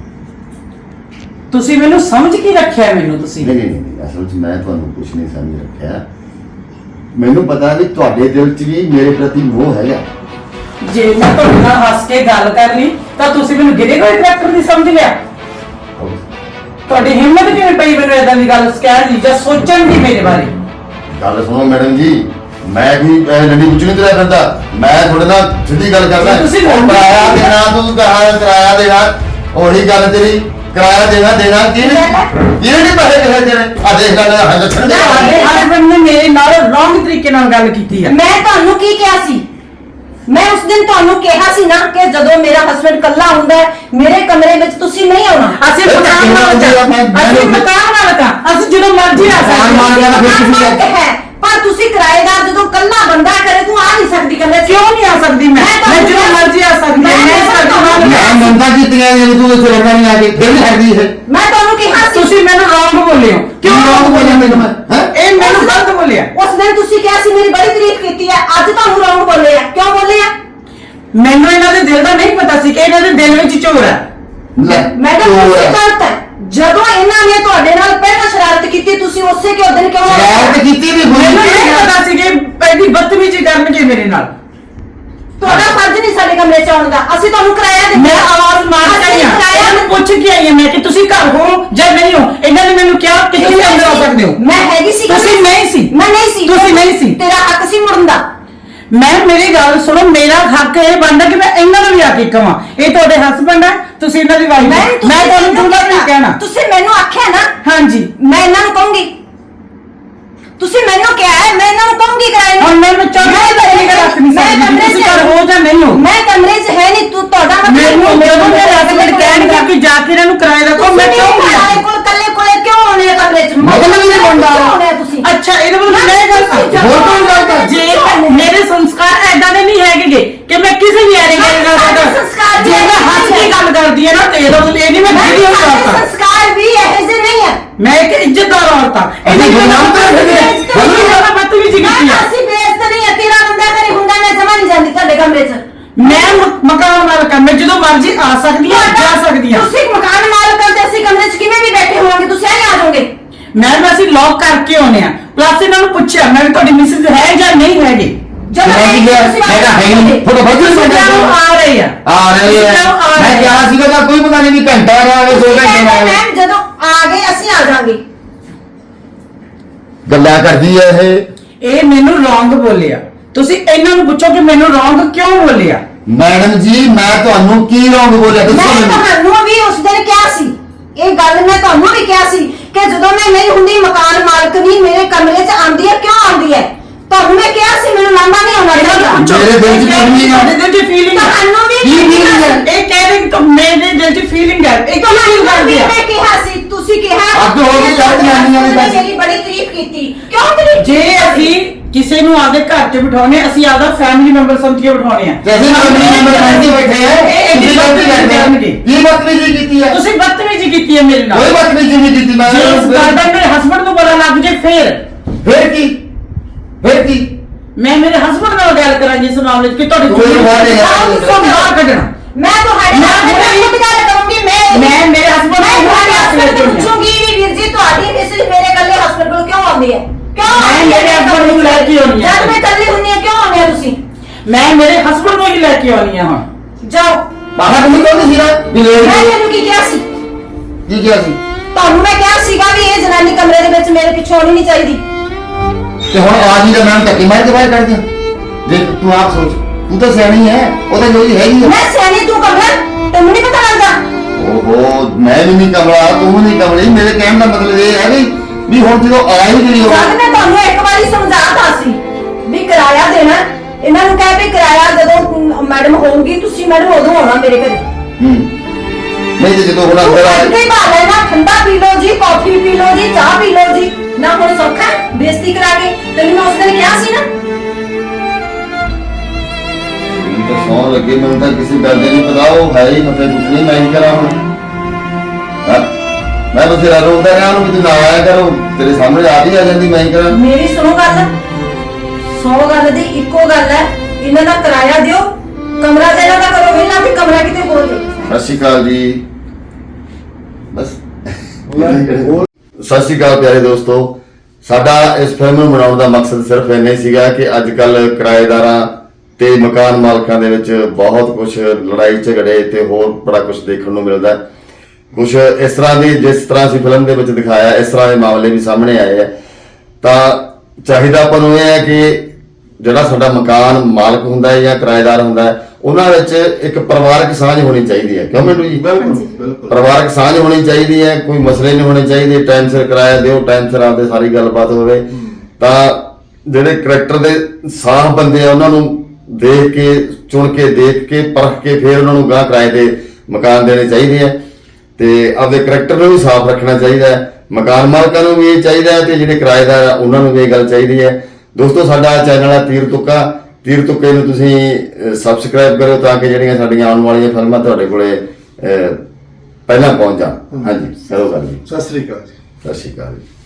ਤੁਸੀਂ ਮੈਨੂੰ ਸਮਝ ਕੀ ਰੱਖਿਆ ਮੈਨੂੰ ਤੁਸੀਂ?
ਨਹੀਂ ਨਹੀਂ ਨਹੀਂ, ਅਸਲ 'ਚ ਮੈਂ ਤੁਹਾਨੂੰ ਕੁਝ ਨਹੀਂ ਸਮਝ ਰੱਖਿਆ। ਮੈਨੂੰ ਪਤਾ ਵੀ ਤੁਹਾਡੇ ਦਿਲ 'ਚ ਵੀ ਮੇਰੇ ਪ੍ਰਤੀ ਮੋਹ ਹੈਗਾ।
ਜੇ ਮੈਂ ਤੁਹਾਡੇ ਨਾਲ ਹੱਸ ਕੇ ਗੱਲ ਕਰ ਲਈ ਤਾਂ ਤੁਸੀਂ ਮੈਨੂੰ ਗਿਰੇ ਹੋਏ ਕਰੈਕਟਰ ਦੀ ਸਮਝ ਲਿਆ। ਤੁਹਾਡੀ ਹਿੰਮਤ ਕਿਵੇਂ ਪਈ ਮੈਨੂੰ ਏਦਾਂ ਦੀ ਗੱਲ ਕਹਿਣ ਦੀ ਜਾਂ ਸੋਚਣ ਦੀ ਮੇਰੇ ਬਾਰੇ?
ਗੱਲ ਸੁਣੋ ਮੈਡਮ ਜੀ, ਮੈਂ ਵੀ ਨੰਡੀ ਕੁਝ ਨਹੀਂ ਤੁਰਿਆ ਫਿਰਦਾ। ਮੈਂ ਤੁਹਾਡੇ ਨਾਲ ਸਿੱਧੀ ਗੱਲ ਕਰਦਾ।
ਤੁਸੀਂ
ਉਹ
ਨੰਡੀ-
ਕਿਰਾਇਆ ਦੇਣਾ, ਤੂੰ ਕਹਾਂ ਕਿਰਾਇਆ ਦੇਣਾ, ਉਹੀ ਗੱਲ ਤੇਰੀ। ਕਿਰਾਇਆ ਦੇਣਾ ਦੇਣਾ ਕਿਹਨੇ ਕਿਹਨੇ ਨਹੀਂ ਪੈਸੇ ਕਿਹਨੇ ਦੇਣੇ? ਆ ਦੇਖ ਲੈ ਹਾਂ ਲੱਛਣ ਦੇ
ਤੁਹਾਡੇ ਹਸਬੰਡ ਨੇ ਮੇਰੇ ਨਾਲ ਰੋਂਗ ਤਰੀਕੇ ਨਾਲ ਗੱਲ ਕੀਤੀ ਹੈ।
ਮੈਂ ਤੁਹਾਨੂੰ ਕੀ ਕਿਹਾ ਸੀ? ਮੈਂ ਉਸ ਦਿਨ ਤੁਹਾਨੂੰ ਕਿਹਾ ਸੀ ਨਾ ਕਿ ਜਦੋਂ ਮੇਰਾ ਹਸਬੰਡ ਕੱਲਾ ਹੁੰਦਾ ਹੈ ਮੇਰੇ ਕਮਰੇ ਵਿੱਚ ਤੁਸੀਂ ਨਹੀਂ ਆਉਣਾ।
ਅਸੀਂ ਮਕਾਨ ਮਾਲਕ ਹਾਂ। ਅਸੀਂ ਮਕਾਨ ਮਾਲਕ ਹਾਂ। ਅਸੀਂ ਜਦੋਂ ਮਰਜ਼ੀ ਆ
ਮਕਾਨ
ਸਕਦੇ
ਮਾਲਕ
ਹਾਂ।
ਹਾਂ। ਫਿਰ ਤੁਸੀਂ
ਮਕਾਨ ਮਾਲਕ ਹੈ, ਪਰ ਤੁਸੀਂ ਕਿਰਾਏਦਾਰ ਜਦੋਂ ਕੱਲਾ ਬੰਦਾ ਕਰੇ ਤੂੰ ਆ ਨਹੀਂ ਸਕਦੀ ਕਮਰੇ 'ਚ।
ਕਿਉਂ ਨਹੀਂ ਆ ਸਕਦੀ ਮੈਂ? ਮੈਂ ਜਦੋਂ ਮਰਜ਼ੀ ਆ ਸਕਦੀ ਹਾਂ। ਮੈਂ ਤੁਹਾਡੇ ਨਾਲ-
ਮੈਂ ਮੰਨਦਾ ਕੀਤੀਆਂ ਜੇ ਤੂੰ ਇੱਥੇ ਰਹਿਣਾ ਨਹੀਂ ਆ ਕੇ ਫਿਰ ਵੀ ਹਟਦੀ ਹੈ।
ਮੈਂ ਤੁਹਾਨੂੰ ਕਿਹਾ ਸੀ।
ਤੁਸੀਂ ਮੈਨੂੰ ਰੋਂਗ ਬੋਲੇ ਹੋ।
ਕਿਉਂ ਰੋਂਗ ਬੋਲਿਆ ਮੈਨੂੰ ਮੈਂ? ਹੈਂ?
ਇਹ ਮੈਨੂੰ ਗਲਤ ਬੋਲਿਆ।
ਉਸ ਦਿਨ ਤੁਸੀਂ ਕਿਹਾ ਸੀ ਮੇਰੀ ਬੜੀ ਤਾਰੀਫ ਕੀਤੀ ਹੈ, ਅੱਜ ਤੁਹਾਨੂੰ ਰੌਂਗ ਬੋਲੇ ਆ। ਕਿਉਂ ਬੋਲੇ ਆ?
ਮੈਨੂੰ ਇਹਨਾਂ ਦੇ ਦਿਲ ਦਾ ਨਹੀਂ ਪਤਾ ਸੀ ਕਿ ਇਹਨਾਂ ਦੇ ਦਿਲ ਵਿੱਚ ਚੋਰ ਹੈ।
ਲੈ,
ਮੈਡਮ
ਚੋਰ
ਤੁਸੀਂ
ਹੈ।
ਗਲਤ ਹੈ। ਜਦੋਂ ਇਹਨਾਂ ਨੇ ਤੁਹਾਡੇ ਨਾਲ ਪਹਿਲਾਂ ਸ਼ਰਾਰਤ ਕੀਤੀ ਤੁਸੀਂ ਉਸੇ ਕਿ ਦਿਨ ਕਿਉਂ
ਸ਼ਰਾਰਤ ਕੀਤੀ ਵੀ ਹੋਈ।
ਮੈਨੂੰ ਨਹੀਂ ਪਤਾ ਸੀ ਕਿ ਪਹਿਲੀ ਬਦਤਮੀਜ਼ੀ ਕਰਨਗੇ ਮੇਰੇ ਨਾਲ।
ਤੁਹਾਡਾ ਫਰਜ਼ ਨਹੀਂ ਸਾਡੇ ਕਮਰੇ 'ਚ ਆਉਣ ਦਾ। ਅਸੀਂ ਤੁਹਾਨੂੰ ਕਿਰਾਇਆ ਦਿੱਤਾ।
ਮੈਂ ਆਵਾਜ਼ ਮਾਰ ਕੇ ਆਈ
ਅਸੀਂ
ਹਾਂ।
ਕਿਰਾਇਆ
ਇਹਨੂੰ ਪੁੱਛ ਕੇ ਆਈ ਹਾਂ ਮੈਂ ਕਿ ਤੁਸੀਂ ਘਰ ਹੋ ਜਾਂ ਨਹੀਂ ਹੋ। ਇਹਨਾਂ ਨੇ ਮੈਨੂੰ ਕਿਹਾ ਕਿ ਤੁਸੀਂ ਅੰਦਰ ਆ ਸਕਦੇ ਹੋ।
ਮੈਂ ਹੈਗੀ ਸੀ।
ਤੁਸੀਂ ਨਹੀਂ ਸੀ।
ਮੈਂ ਨਹੀਂ ਸੀ।
ਤੁਸੀਂ ਨਹੀਂ ਸੀ।
ਤੇਰਾ ਹੱਕ ਸੀ ਮੁੜਨ ਦਾ।
ਮੈਂ ਮੇਰੀ ਗੱਲ ਸੁਣੋ, ਮੇਰਾ ਹੱਕ ਇਹ ਬਣਦਾ ਕਿ ਮੈਂ ਇਹਨਾਂ ਨੂੰ ਵੀ ਆ ਕੇ ਕਵਾਂ ਇਹ ਤੁਹਾਡੇ ਹਸਬੰਡ ਹੈ, ਤੁਸੀਂ ਇਹਨਾਂ ਦੀ ਵਾਈਫ
ਮੈਂ
ਹੈ।
ਤੁਸੀਂ
ਮੈਂ ਤੁਹਾਨੂੰ
ਮੈਨੂੰ
ਪੂਰਾ ਨਹੀਂ ਕਹਿਣਾ।
ਤੁਸੀਂ ਮੈਨੂੰ ਆਖਿਆ ਨਾ
ਹਾਂਜੀ
ਮੈਂ ਇਹਨਾਂ ਨੂੰ ਕਹੂੰਗੀ। ਤੁਸੀਂ ਮੈਨੂੰ ਕਿਹਾ ਹੈ ਮੈਂ ਇਹਨਾਂ ਨੂੰ ਕਹੂੰਗੀ ਕਿਰਾਏ ਨੂੰ।
ਹੁਣ ਮੈਨੂੰ ਚਾਹੀਦਾ ਤੇਰੀ ਗੱਲ ਰੱਖ ਨਹੀਂ
ਮੈਂ
ਸਕਦੀ
ਕਮਰੇ
ਤੁਸੀਂ
'ਚ
ਘਰ ਹੋ ਜਾਂ ਨਹੀਂ ਹੋ।
ਮੈਂ ਕਮਰੇ 'ਚ ਹੈ ਨਹੀਂ। ਤੂੰ ਤੁਹਾਡਾ ਮਤਲਬ
ਮੈਨੂੰ ਜਦੋਂ ਮੇਰੇ ਹਸਬੰਡ ਕਹਿਣਗੇ ਕਿ ਜਾ ਕੇ ਇਹਨਾਂ ਨੂੰ ਕਿਰਾਏ ਦਾ ਕਹੋ, ਮੈਂ ਕਿਉਂ ਨਹੀਂ
ਕਿਰਾਏ
ਆਉਂਦੀ?
ਕੋਲ ਕੱਲੇ ਕੋਲੇ ਕਿਉਂ ਆਉਣੇ ਆ ਕਮਰੇ 'ਚ?
ਮਤਲਬ ਨਹੀਂ ਬਣਦਾ।
ਕਿਉਂ ਆਉਣੇ ਆ ਤੁਸੀਂ?
ਅੱਛਾ ਇਹਦੇ ਵੱਲ ਮੈਂ ਗੱਲ ਕਰ
ਹੋਰ ਕੋਈ ਗੱਲ ਕਰ।
ਜੇ ਮੇਰੇ ਸੰਸਕਾਰ ਐਦਾਂ ਦੇ ਨਹੀਂ ਹੈਗੇ ਕਿ ਮੈਂ ਕਿਸੇ ਵੀ ਐਰੇ ਗੱਲ
ਸਾਡੇ
ਕਰਦਾ
ਸੰਸਕਾਰ
ਜੇ ਮੈਂ ਕਰਦੀ ਹੈ ਨਾ ਤੇ ਇਹਦਾ ਮਤਲਬ ਇਹ ਨਹੀਂ ਮੈਂ
ਮੈਂ
ਵੀਡੀਓ
ਸਾਡੇ
ਕਰਦਾ
ਸੰਸਕਾਰ ਵੀ ਇਹੋ ਜਿਹੇ ਨਹੀਂ ਹੈ।
ਮੈਂ ਇੱਕ ਇੱਜ਼ਤਦਾਰ ਔਰਤ ਹਾਂ ਇਹਨੇ
ਅਸੀਂ
ਗੁਨਾਹ ਕਰ
ਬਦਨਾਮ
ਦਿੱਤੇ ਬਦਨਾਮ ਕਰਨਾ ਬਦਤਮੀਜ਼ੀ ਕੀਤੀ
ਨਾ,
ਹੈ
ਅਸੀਂ ਬੇਇੱਜ਼ਤ ਨਹੀਂ ਹੈ। ਤੇਰਾ ਬੰਦਾ ਘਰੇ ਹੁੰਦਾ ਮੈਂ ਜਮਾ ਨਹੀਂ ਜਾਂਦੀ ਤੁਹਾਡੇ ਕਮਰੇ 'ਚ।
ਮੈਂ ਮ- ਮਕਾਨ ਮਾਲਕ ਹਾਂ ਮੈਂ ਜਦੋਂ ਮਰਜ਼ੀ ਆ ਸਕਦੀ ਹਾਂ ਜਾ ਸਕਦੀ ਹਾਂ
ਤੁਸੀਂ ਮਕਾਨ ਮਾਲਕ ਹੋ ਤੇ ਅਸੀਂ ਕਮਰੇ 'ਚ ਕਿਵੇਂ ਵੀ ਬੈਠੇ ਹੋਵਾਂਗੇ, ਤੁਸੀਂ ਐਂ ਆ ਜਾਓਗੇ।
ਮੈਂ ਮੈਂ ਅਸੀਂ ਲੌਕ ਕਰਕੇ ਆਉਨੇ ਆ ਪਲੱਸ ਇਹਨਾਂ ਨੂੰ ਪੁੱਛਿਆ ਮੈਂ ਵੀ ਤੁਹਾਡੀ ਮਿਸਿਸ ਹੈ ਜਾਂ ਨਹੀਂ ਹੈਗੀ
ਜਦੋਂ
ਮੈਂ ਕੀ ਕਿਹਾ?
ਤੁਸੀਂ
ਮੈਂ ਕਿਹਾ ਹੈ ਨਹੀਂ। ਤੁਹਾਡਾ ਬੱਚੇ ਨੂੰ
ਤੁਸੀਂ ਕਿਉਂ ਆ ਰਹੇ ਆ
ਆ ਰਹੇ
ਤੁਸੀਂ
ਹੈ
ਕਿਉਂ ਆ
ਮੈਂ
ਰਹੇ
ਕਿਹਾ
ਆ?
ਸੀਗਾ ਤਾਂ ਕੋਈ ਪਤਾ ਨਹੀਂ ਵੀ ਘੰਟਾ ਨਾ ਆਵੇ ਦੋ ਘੰਟੇ ਨਾ ਆਵੇ
ਮੈਮ ਜਦੋਂ ਆ ਗਏ ਅਸੀਂ ਆ ਜਾਾਂਗੇ।
ਗੱਲਾਂ ਕਰਦੀ ਹੈ ਇਹ
ਇਹ ਮੈਨੂੰ ਰੋਂਗ ਬੋਲਿਆ ਤੁਸੀਂ ਇਹਨਾਂ ਨੂੰ ਪੁੱਛੋ ਕਿ ਮੈਨੂੰ ਰੋਂਗ ਕਿਉਂ ਬੋਲਿਆ
ਮੈਡਮ ਜੀ ਮੈਂ ਤੁਹਾਨੂੰ ਕੀ ਰੋਂਗ ਬੋਲਿਆ ਦੱਸੋ
ਮੈਂ
ਮੈਨੂੰ
ਤੁਹਾਨੂੰ ਵੀ ਉਸ ਦਿਨ ਕਿਹਾ ਸੀ, ਇਹ ਗੱਲ ਮੈਂ ਤੁਹਾਨੂੰ ਵੀ ਕਿਹਾ ਸੀ ਕਿ ਜਦੋਂ ਮੈਂ ਨਹੀਂ ਹੁੰਦੀ ਮਕਾਨ ਮਾਲਕ ਵੀ ਮੇਰੇ ਕਮਰੇ 'ਚ ਆਉਂਦੀ ਹੈ, ਕਿਉਂ ਆਉਂਦੀ ਹੈ? ਤੁਹਾਨੂੰ ਮੈਂ ਕਿਹਾ ਸੀ ਮੈਨੂੰ ਲਾਂਭਾ ਨਹੀਂ ਆਉਣਾ
ਇਹਨਾਂ ਨੂੰ
ਚਾਹੀਦਾ।
ਪੁੱਛੋ
ਮੇਰੇ ਦਿਲ 'ਚ feeling ਹੈ।
ਤੁਹਾਡੇ ਦਿਲ 'ਚ feeling ਹੈ
ਤੁਹਾਨੂੰ ਵੀ
ਕੀ feeling ਹੈ?
ਇਹ ਕਹਿ ਰਹੇ ਕਿ ਤੁਮ ਮੇਰੇ ਦਿਲ 'ਚ ਫੀਲਿੰਗ ਹੈ ਇਹ ਕਿਉਂ ਫੀਲ
ਤੁਹਾਨੂੰ
ਕਰਦੀ
ਵੀ
ਹੈ
ਮੈਂ ਕਿਹਾ ਸੀ, ਤੁਸੀਂ ਕਿਹਾ
ਅੱਧ ਹੋ ਗਈ, ਚੱਲ ਜਨਾਨੀਆਂ ਦੀ ਬਸ।
ਮੇਰੀ ਬੜੀ ਤਾਰੀਫ ਕੀਤੀ, ਕਿਉਂ ਤਾਰੀਫ
ਜੇ ਅਸੀਂ ਕਿਸੇ ਨੂੰ ਆਪਦੇ ਘਰ 'ਚ ਬਿਠਾਉਣੇ ਅਸੀਂ ਆਪਦਾ ਫੈਮਿਲੀ ਮੈਂਬਰ ਸਮਝ ਕੇ ਬਿਠਾਉਣੇ ਆ
ਜੈਸੇ ਫੈਮਿਲੀ ਮੈਂਬਰ ਬਣ ਕੇ ਬੈਠੇ ਆ
ਇਹ
ਤੁਸੀਂ ਗਲਤੀ ਕਰਦੇ ਆ ਕੀ ਬਦਤਮੀਜ਼ੀ ਕੀਤੀ ਹੈ
ਤੁਸੀਂ ਬਦਤਮੀਜ਼ੀ ਕੀਤੀ ਹੈ ਮੇਰੇ ਨਾਲ
ਕੋਈ ਬਦਤਮੀਜ਼ੀ ਨਹੀਂ ਕੀਤੀ ਮੈਂ
ਜੇ ਇਸ ਗੱਲ ਦਾ ਮੇਰੇ ਹਸਬੰਡ ਨੂੰ ਪਤਾ ਲੱਗ ਜੇ ਫੇਰ
ਫਿਰ ਕੀ ਫਿਰ ਕੀ
ਮੈਂ ਮੇਰੇ ਹਸਬੰਡ ਨਾਲ ਗੱਲ ਕਰਾਂਗੀ ਇਸ ਮਾਮਲੇ 'ਚ ਕਿ ਤੁਹਾਡੀ
ਕੋਈ
ਜ਼ਮੀਨ
ਬਾਤ ਨਹੀਂ ਹੈ।
ਆਹ ਤੁਸੀਂ ਬਾਹਰ ਕੱਢਣਾ
ਮੈਂ ਤੁਹਾਡੇ
ਮੈਂ
ਨਾਲ
ਹੁਣੇ-
ਖੁਦ ਗੱਲ ਕਰੂੰਗੀ। ਮੈਂ
ਮੈਂ ਮੇਰੇ husband
ਮੈਂ
ਨੂੰ
ਤੁਹਾਡੇ
ਹੁਣੇ
husband ਨੂੰ
ਦੱਸ
ਪੁੱਛੂੰਗੀ ਵੀ ਵੀਰ ਜੀ ਤੁਹਾਡੀ ਮਿਸਿਸ ਮੇਰੇ ਕੱਲੇ ਹਸਬੰਡ ਕੋਲ ਕਿਉਂ ਆਉਂਦੀ ਹੈ? ਕਿਉਂ
ਮੈਂ
ਆਉਂਦੀ ਹੈ
ਮੇਰੇ husband ਨੂੰ ਲੈ ਕੇ ਆਉਂਦੀ ਹਾਂ।
ਜਦ ਮੈਂ ਕੱਲੀ ਹੁੰਦੀ ਹਾਂ ਕਿਉਂ ਆਉਂਦੇ ਹੋ ਤੁਸੀਂ?
ਮੈਂ ਮੇਰੇ ਹਸਬੰਡ ਨੂੰ ਹੀ ਲੈ ਕੇ ਆਉਣੀ ਆ ਹੁਣ
ਜਾਓ।
ਬਾਹਰ ਤੁਸੀਂ ਕਹਿੰਦੇ ਸੀ ਨਾ ਵੀ ਲੈ
ਮੈਂ
ਜਾਓ।
ਤੈਨੂੰ ਕੀ ਕਿਹਾ ਸੀ?
ਕੀ ਕਿਹਾ ਸੀ
ਤੁਹਾਨੂੰ ਮੈਂ ਕਿਹਾ ਸੀਗਾ ਵੀ ਇਹ ਜਨਾਨੀ ਕਮਰੇ ਦੇ ਵਿੱਚ ਮੇਰੇ ਪਿੱਛੇ ਆਉਣੀ ਨਹੀਂ ਚਾਹੀਦੀ।
ਤੇ ਹੁਣ ਆਜ ਹੀ ਦਾ ਨਾਮ ਧੱਕੇ ਮਾਰ ਕੇ ਬਾਹਰ ਕੱਢ ਦਿਆਂ ਦੇਖ ਤੂੰ ਆਪ ਸੋਚ ਤੂੰ ਤਾਂ ਸਿਆਣੀ ਹੈ ਉਹ ਤਾਂ ਜੋਈ ਹੈਗੀ ਹੈ
ਮੈਂ ਸਿਆਣੀ ਤੂੰ ਕਮਲਾ ਤੈਨੂੰ ਨਹੀਂ ਪਤਾ ਲੱਗਦਾ?
ਓਹੋ ਮੈਂ ਵੀ ਨਹੀਂ ਕਮਲਾ ਤੂੰ ਵੀ ਨਹੀਂ ਕਮਲੀ ਮੇਰੇ ਕਹਿਣ ਦਾ ਮਤਲਬ ਇਹ ਹੈ ਵੀ ਵੀ ਹੁਣ ਜਦੋਂ ਆ ਹੀ ਗਈ
ਜਦ
ਉਹ
ਮੈਂ ਤੁਹਾਨੂੰ ਇੱਕ ਵਾਰੀ ਸਮਝਾਤਾ ਸੀ ਵੀ ਕਿਰਾਇਆ ਦੇਣਾ, ਇਹਨਾਂ ਨੂੰ ਕਹਿ ਵੀ ਕਿਰਾਇਆ ਜਦੋਂ ਮੈਡਮ ਹੋਊਗੀ ਤੁਸੀਂ ਮੈਡਮ ਉਦੋਂ ਆਉਣਾ ਮੇਰੇ ਘਰੇ।
ਹੂੰ ਨਹੀਂ ਤੇ ਜਦੋਂ ਹੁਣ
ਤੂੰ
ਅੰਦਰ
ਕੱਢ ਕੇ
ਆਏ
ਹੀ ਪਾ ਲੈਣਾ, ਠੰਡਾ ਪੀ ਲਓ ਜੀ, ਕਾਫੀ ਪੀ ਲਓ ਜੀ, ਚਾਹ ਪੀ ਲਓ ਜੀ, ਨਾ ਹੁਣ ਸੌਖਾ ਹੈ ਬੇਇੱਜ਼ਤੀ ਕਰਾ ਕੇ। ਤੈਨੂੰ ਮੈਂ ਉਸ ਦਿਨ ਕਿਹਾ ਸੀ ਨਾ।
ਮੈਨੂੰ ਤਾਂ ਸੌਂ ਲੱਗੇ ਮੈਨੂੰ ਤਾਂ ਕਿਸੇ ਗੱਲ ਦੇ ਨਹੀਂ ਪਤਾ ਉਹ ਹੈ ਹੀ ਮੱਥੇ ਕੁੱਟਣੀ ਮੈਂ ਹੀ ਕਰਾਂ ਹੁਣ ਹਾਂ, ਮੈਂ ਬਥੇਰਾ ਰੋਕਦਾ ਰਿਹਾ ਉਹਨੂੰ ਵੀ ਤੂੰ ਨਾ ਆਇਆ ਕਰੋ ਤੇਰੇ ਸਾਹਮਣੇ ਆ ਹੀ ਆ ਜਾਂਦੀ ਮੈਂ ਹੀ ਕਰਾਂ
ਮੇਰੀ ਸੁਣੋ ਗੱਲ, ਸੌ ਗੱਲ ਦੀ ਇੱਕੋ ਗੱਲ ਹੈ, ਇਹਨਾਂ ਦਾ ਕਿਰਾਇਆ ਦਿਓ, ਕਮਰਾ ਦੇਣਾ ਦਾ ਕਰੋ ਵਿਹਲਾ ਵੀ ਕਮਰਾ ਕਿਤੇ ਹੋਰ ਦੇ।
ਸਤਿ ਸ਼੍ਰੀ ਅਕਾਲ ਜੀ ਬਸ ਸਤਿ ਸ਼੍ਰੀ ਅਕਾਲ ਪਿਆਰੇ ਦੋਸਤੋ ਸਾਡਾ ਇਸ ਫਿਲਮ ਨੂੰ ਬਣਾਉਣ ਦਾ ਮਕਸਦ ਸਿਰਫ ਇੰਨਾ ਹੀ ਸੀਗਾ ਕਿ ਅੱਜ ਕੱਲ ਕਿਰਾਏਦਾਰਾਂ ਤੇ ਮਕਾਨ ਮਾਲਕਾਂ ਦੇ ਵਿੱਚ ਬਹੁਤ ਕੁਝ ਲੜਾਈ ਝਗੜੇ ਤੇ ਹੋਰ ਬੜਾ ਕੁਝ ਦੇਖਣ ਨੂੰ ਮਿਲਦਾ ਕੁਝ ਇਸ ਤਰ੍ਹਾਂ ਦੀ ਜਿਸ ਤਰ੍ਹਾਂ ਅਸੀਂ ਫਿਲਮ ਦੇ ਵਿੱਚ ਦਿਖਾਇਆ ਇਸ ਤਰ੍ਹਾਂ ਦੇ ਮਾਮਲੇ ਵੀ ਸਾਹਮਣੇ ਆਏ ਆ ਤਾਂ ਚਾਹੀਦਾ ਆਪਾਂ ਨੂੰ ਇਹ ਹੈ ਕਿ ਜਿਹੜਾ ਸਾਡਾ ਮਕਾਨ ਮਾਲਕ ਹੁੰਦਾ ਹੈ ਜਾਂ ਕਿਰਾਏਦਾਰ ਹੁੰਦਾ ਹੈ ਉਹਨਾਂ ਵਿੱਚ ਇੱਕ ਪਰਿਵਾਰਕ ਸਾਂਝ ਹੋਣੀ ਚਾਹੀਦੀ ਹੈ ਕਿਉਂ ਮੈਨੂੰ ਜੀ
ਬਿਲਕੁਲ ਬਿਲਕੁਲ
ਪਰਿਵਾਰਕ ਸਾਂਝ ਹੋਣੀ ਚਾਹੀਦੀ ਹੈ ਕੋਈ ਮਸਲੇ ਨਹੀਂ ਹੋਣੇ ਚਾਹੀਦੇ ਟਾਈਮ ਸਿਰ ਕਿਰਾਇਆ ਦਿਓ ਟਾਈਮ ਸਿਰ ਆਪਦੇ ਸਾਰੀ ਗੱਲਬਾਤ ਹੋਵੇ ਤਾਂ ਜਿਹੜੇ ਕਰੈਕਟਰ ਦੇ ਸਾਫ਼ ਬੰਦੇ ਆ ਉਹਨਾਂ ਨੂੰ ਦੇਖ ਕੇ ਚੁਣ ਕੇ ਦੇਖ ਕੇ ਪਰਖ ਕੇ ਫਿਰ ਉਹਨਾਂ ਨੂੰ ਗਾਂ ਕਿਰਾਏ ਤੇ ਮਕਾਨ ਦੇਣੇ ਚਾਹੀਦੇ ਆ ਤੇ ਆਪਦੇ ਕਰੈਕਟਰ ਨੂੰ ਵੀ ਸਾਫ਼ ਰੱਖਣਾ ਚਾਹੀਦਾ ਹੈ ਮਕਾਨ ਮਾਲਕਾਂ ਨੂੰ ਵੀ ਇਹ ਚਾਹੀਦਾ ਹੈ ਤੇ ਜਿਹੜੇ ਕਿਰਾਏਦਾਰ ਆ ਉਹਨਾਂ ਨੂੰ ਵੀ ਇਹ ਗੱਲ ਚਾਹੀਦੀ ਹੈ ਦੋਸਤੋ ਸਾਡਾ ਚੈਨਲ ਹੈ ਤੀਰ ਤੁੱਕਾ ਤੀਰ ਤੁੱਕੇ ਨੂੰ ਤੁਸੀਂ ਸਬਸਕ੍ਰਾਈਬ ਕਰੋ ਤਾਂ ਕਿ ਜਿਹੜੀਆਂ ਸਾਡੀਆਂ ਆਉਣ ਵਾਲੀਆਂ ਫਿਲਮਾਂ ਤੁਹਾਡੇ ਕੋਲੇ ਅਹ, ਪਹਿਲਾਂ ਪਹੁੰਚ ਜਾਣ ਹਾਂਜੀ ਕਰੋ ਗੱਲ ਜੀ
ਸਤਿ ਸ੍ਰੀ ਅਕਾਲ ਜੀ
ਸਤਿ ਸ਼੍ਰੀ ਅਕਾਲ ਜੀ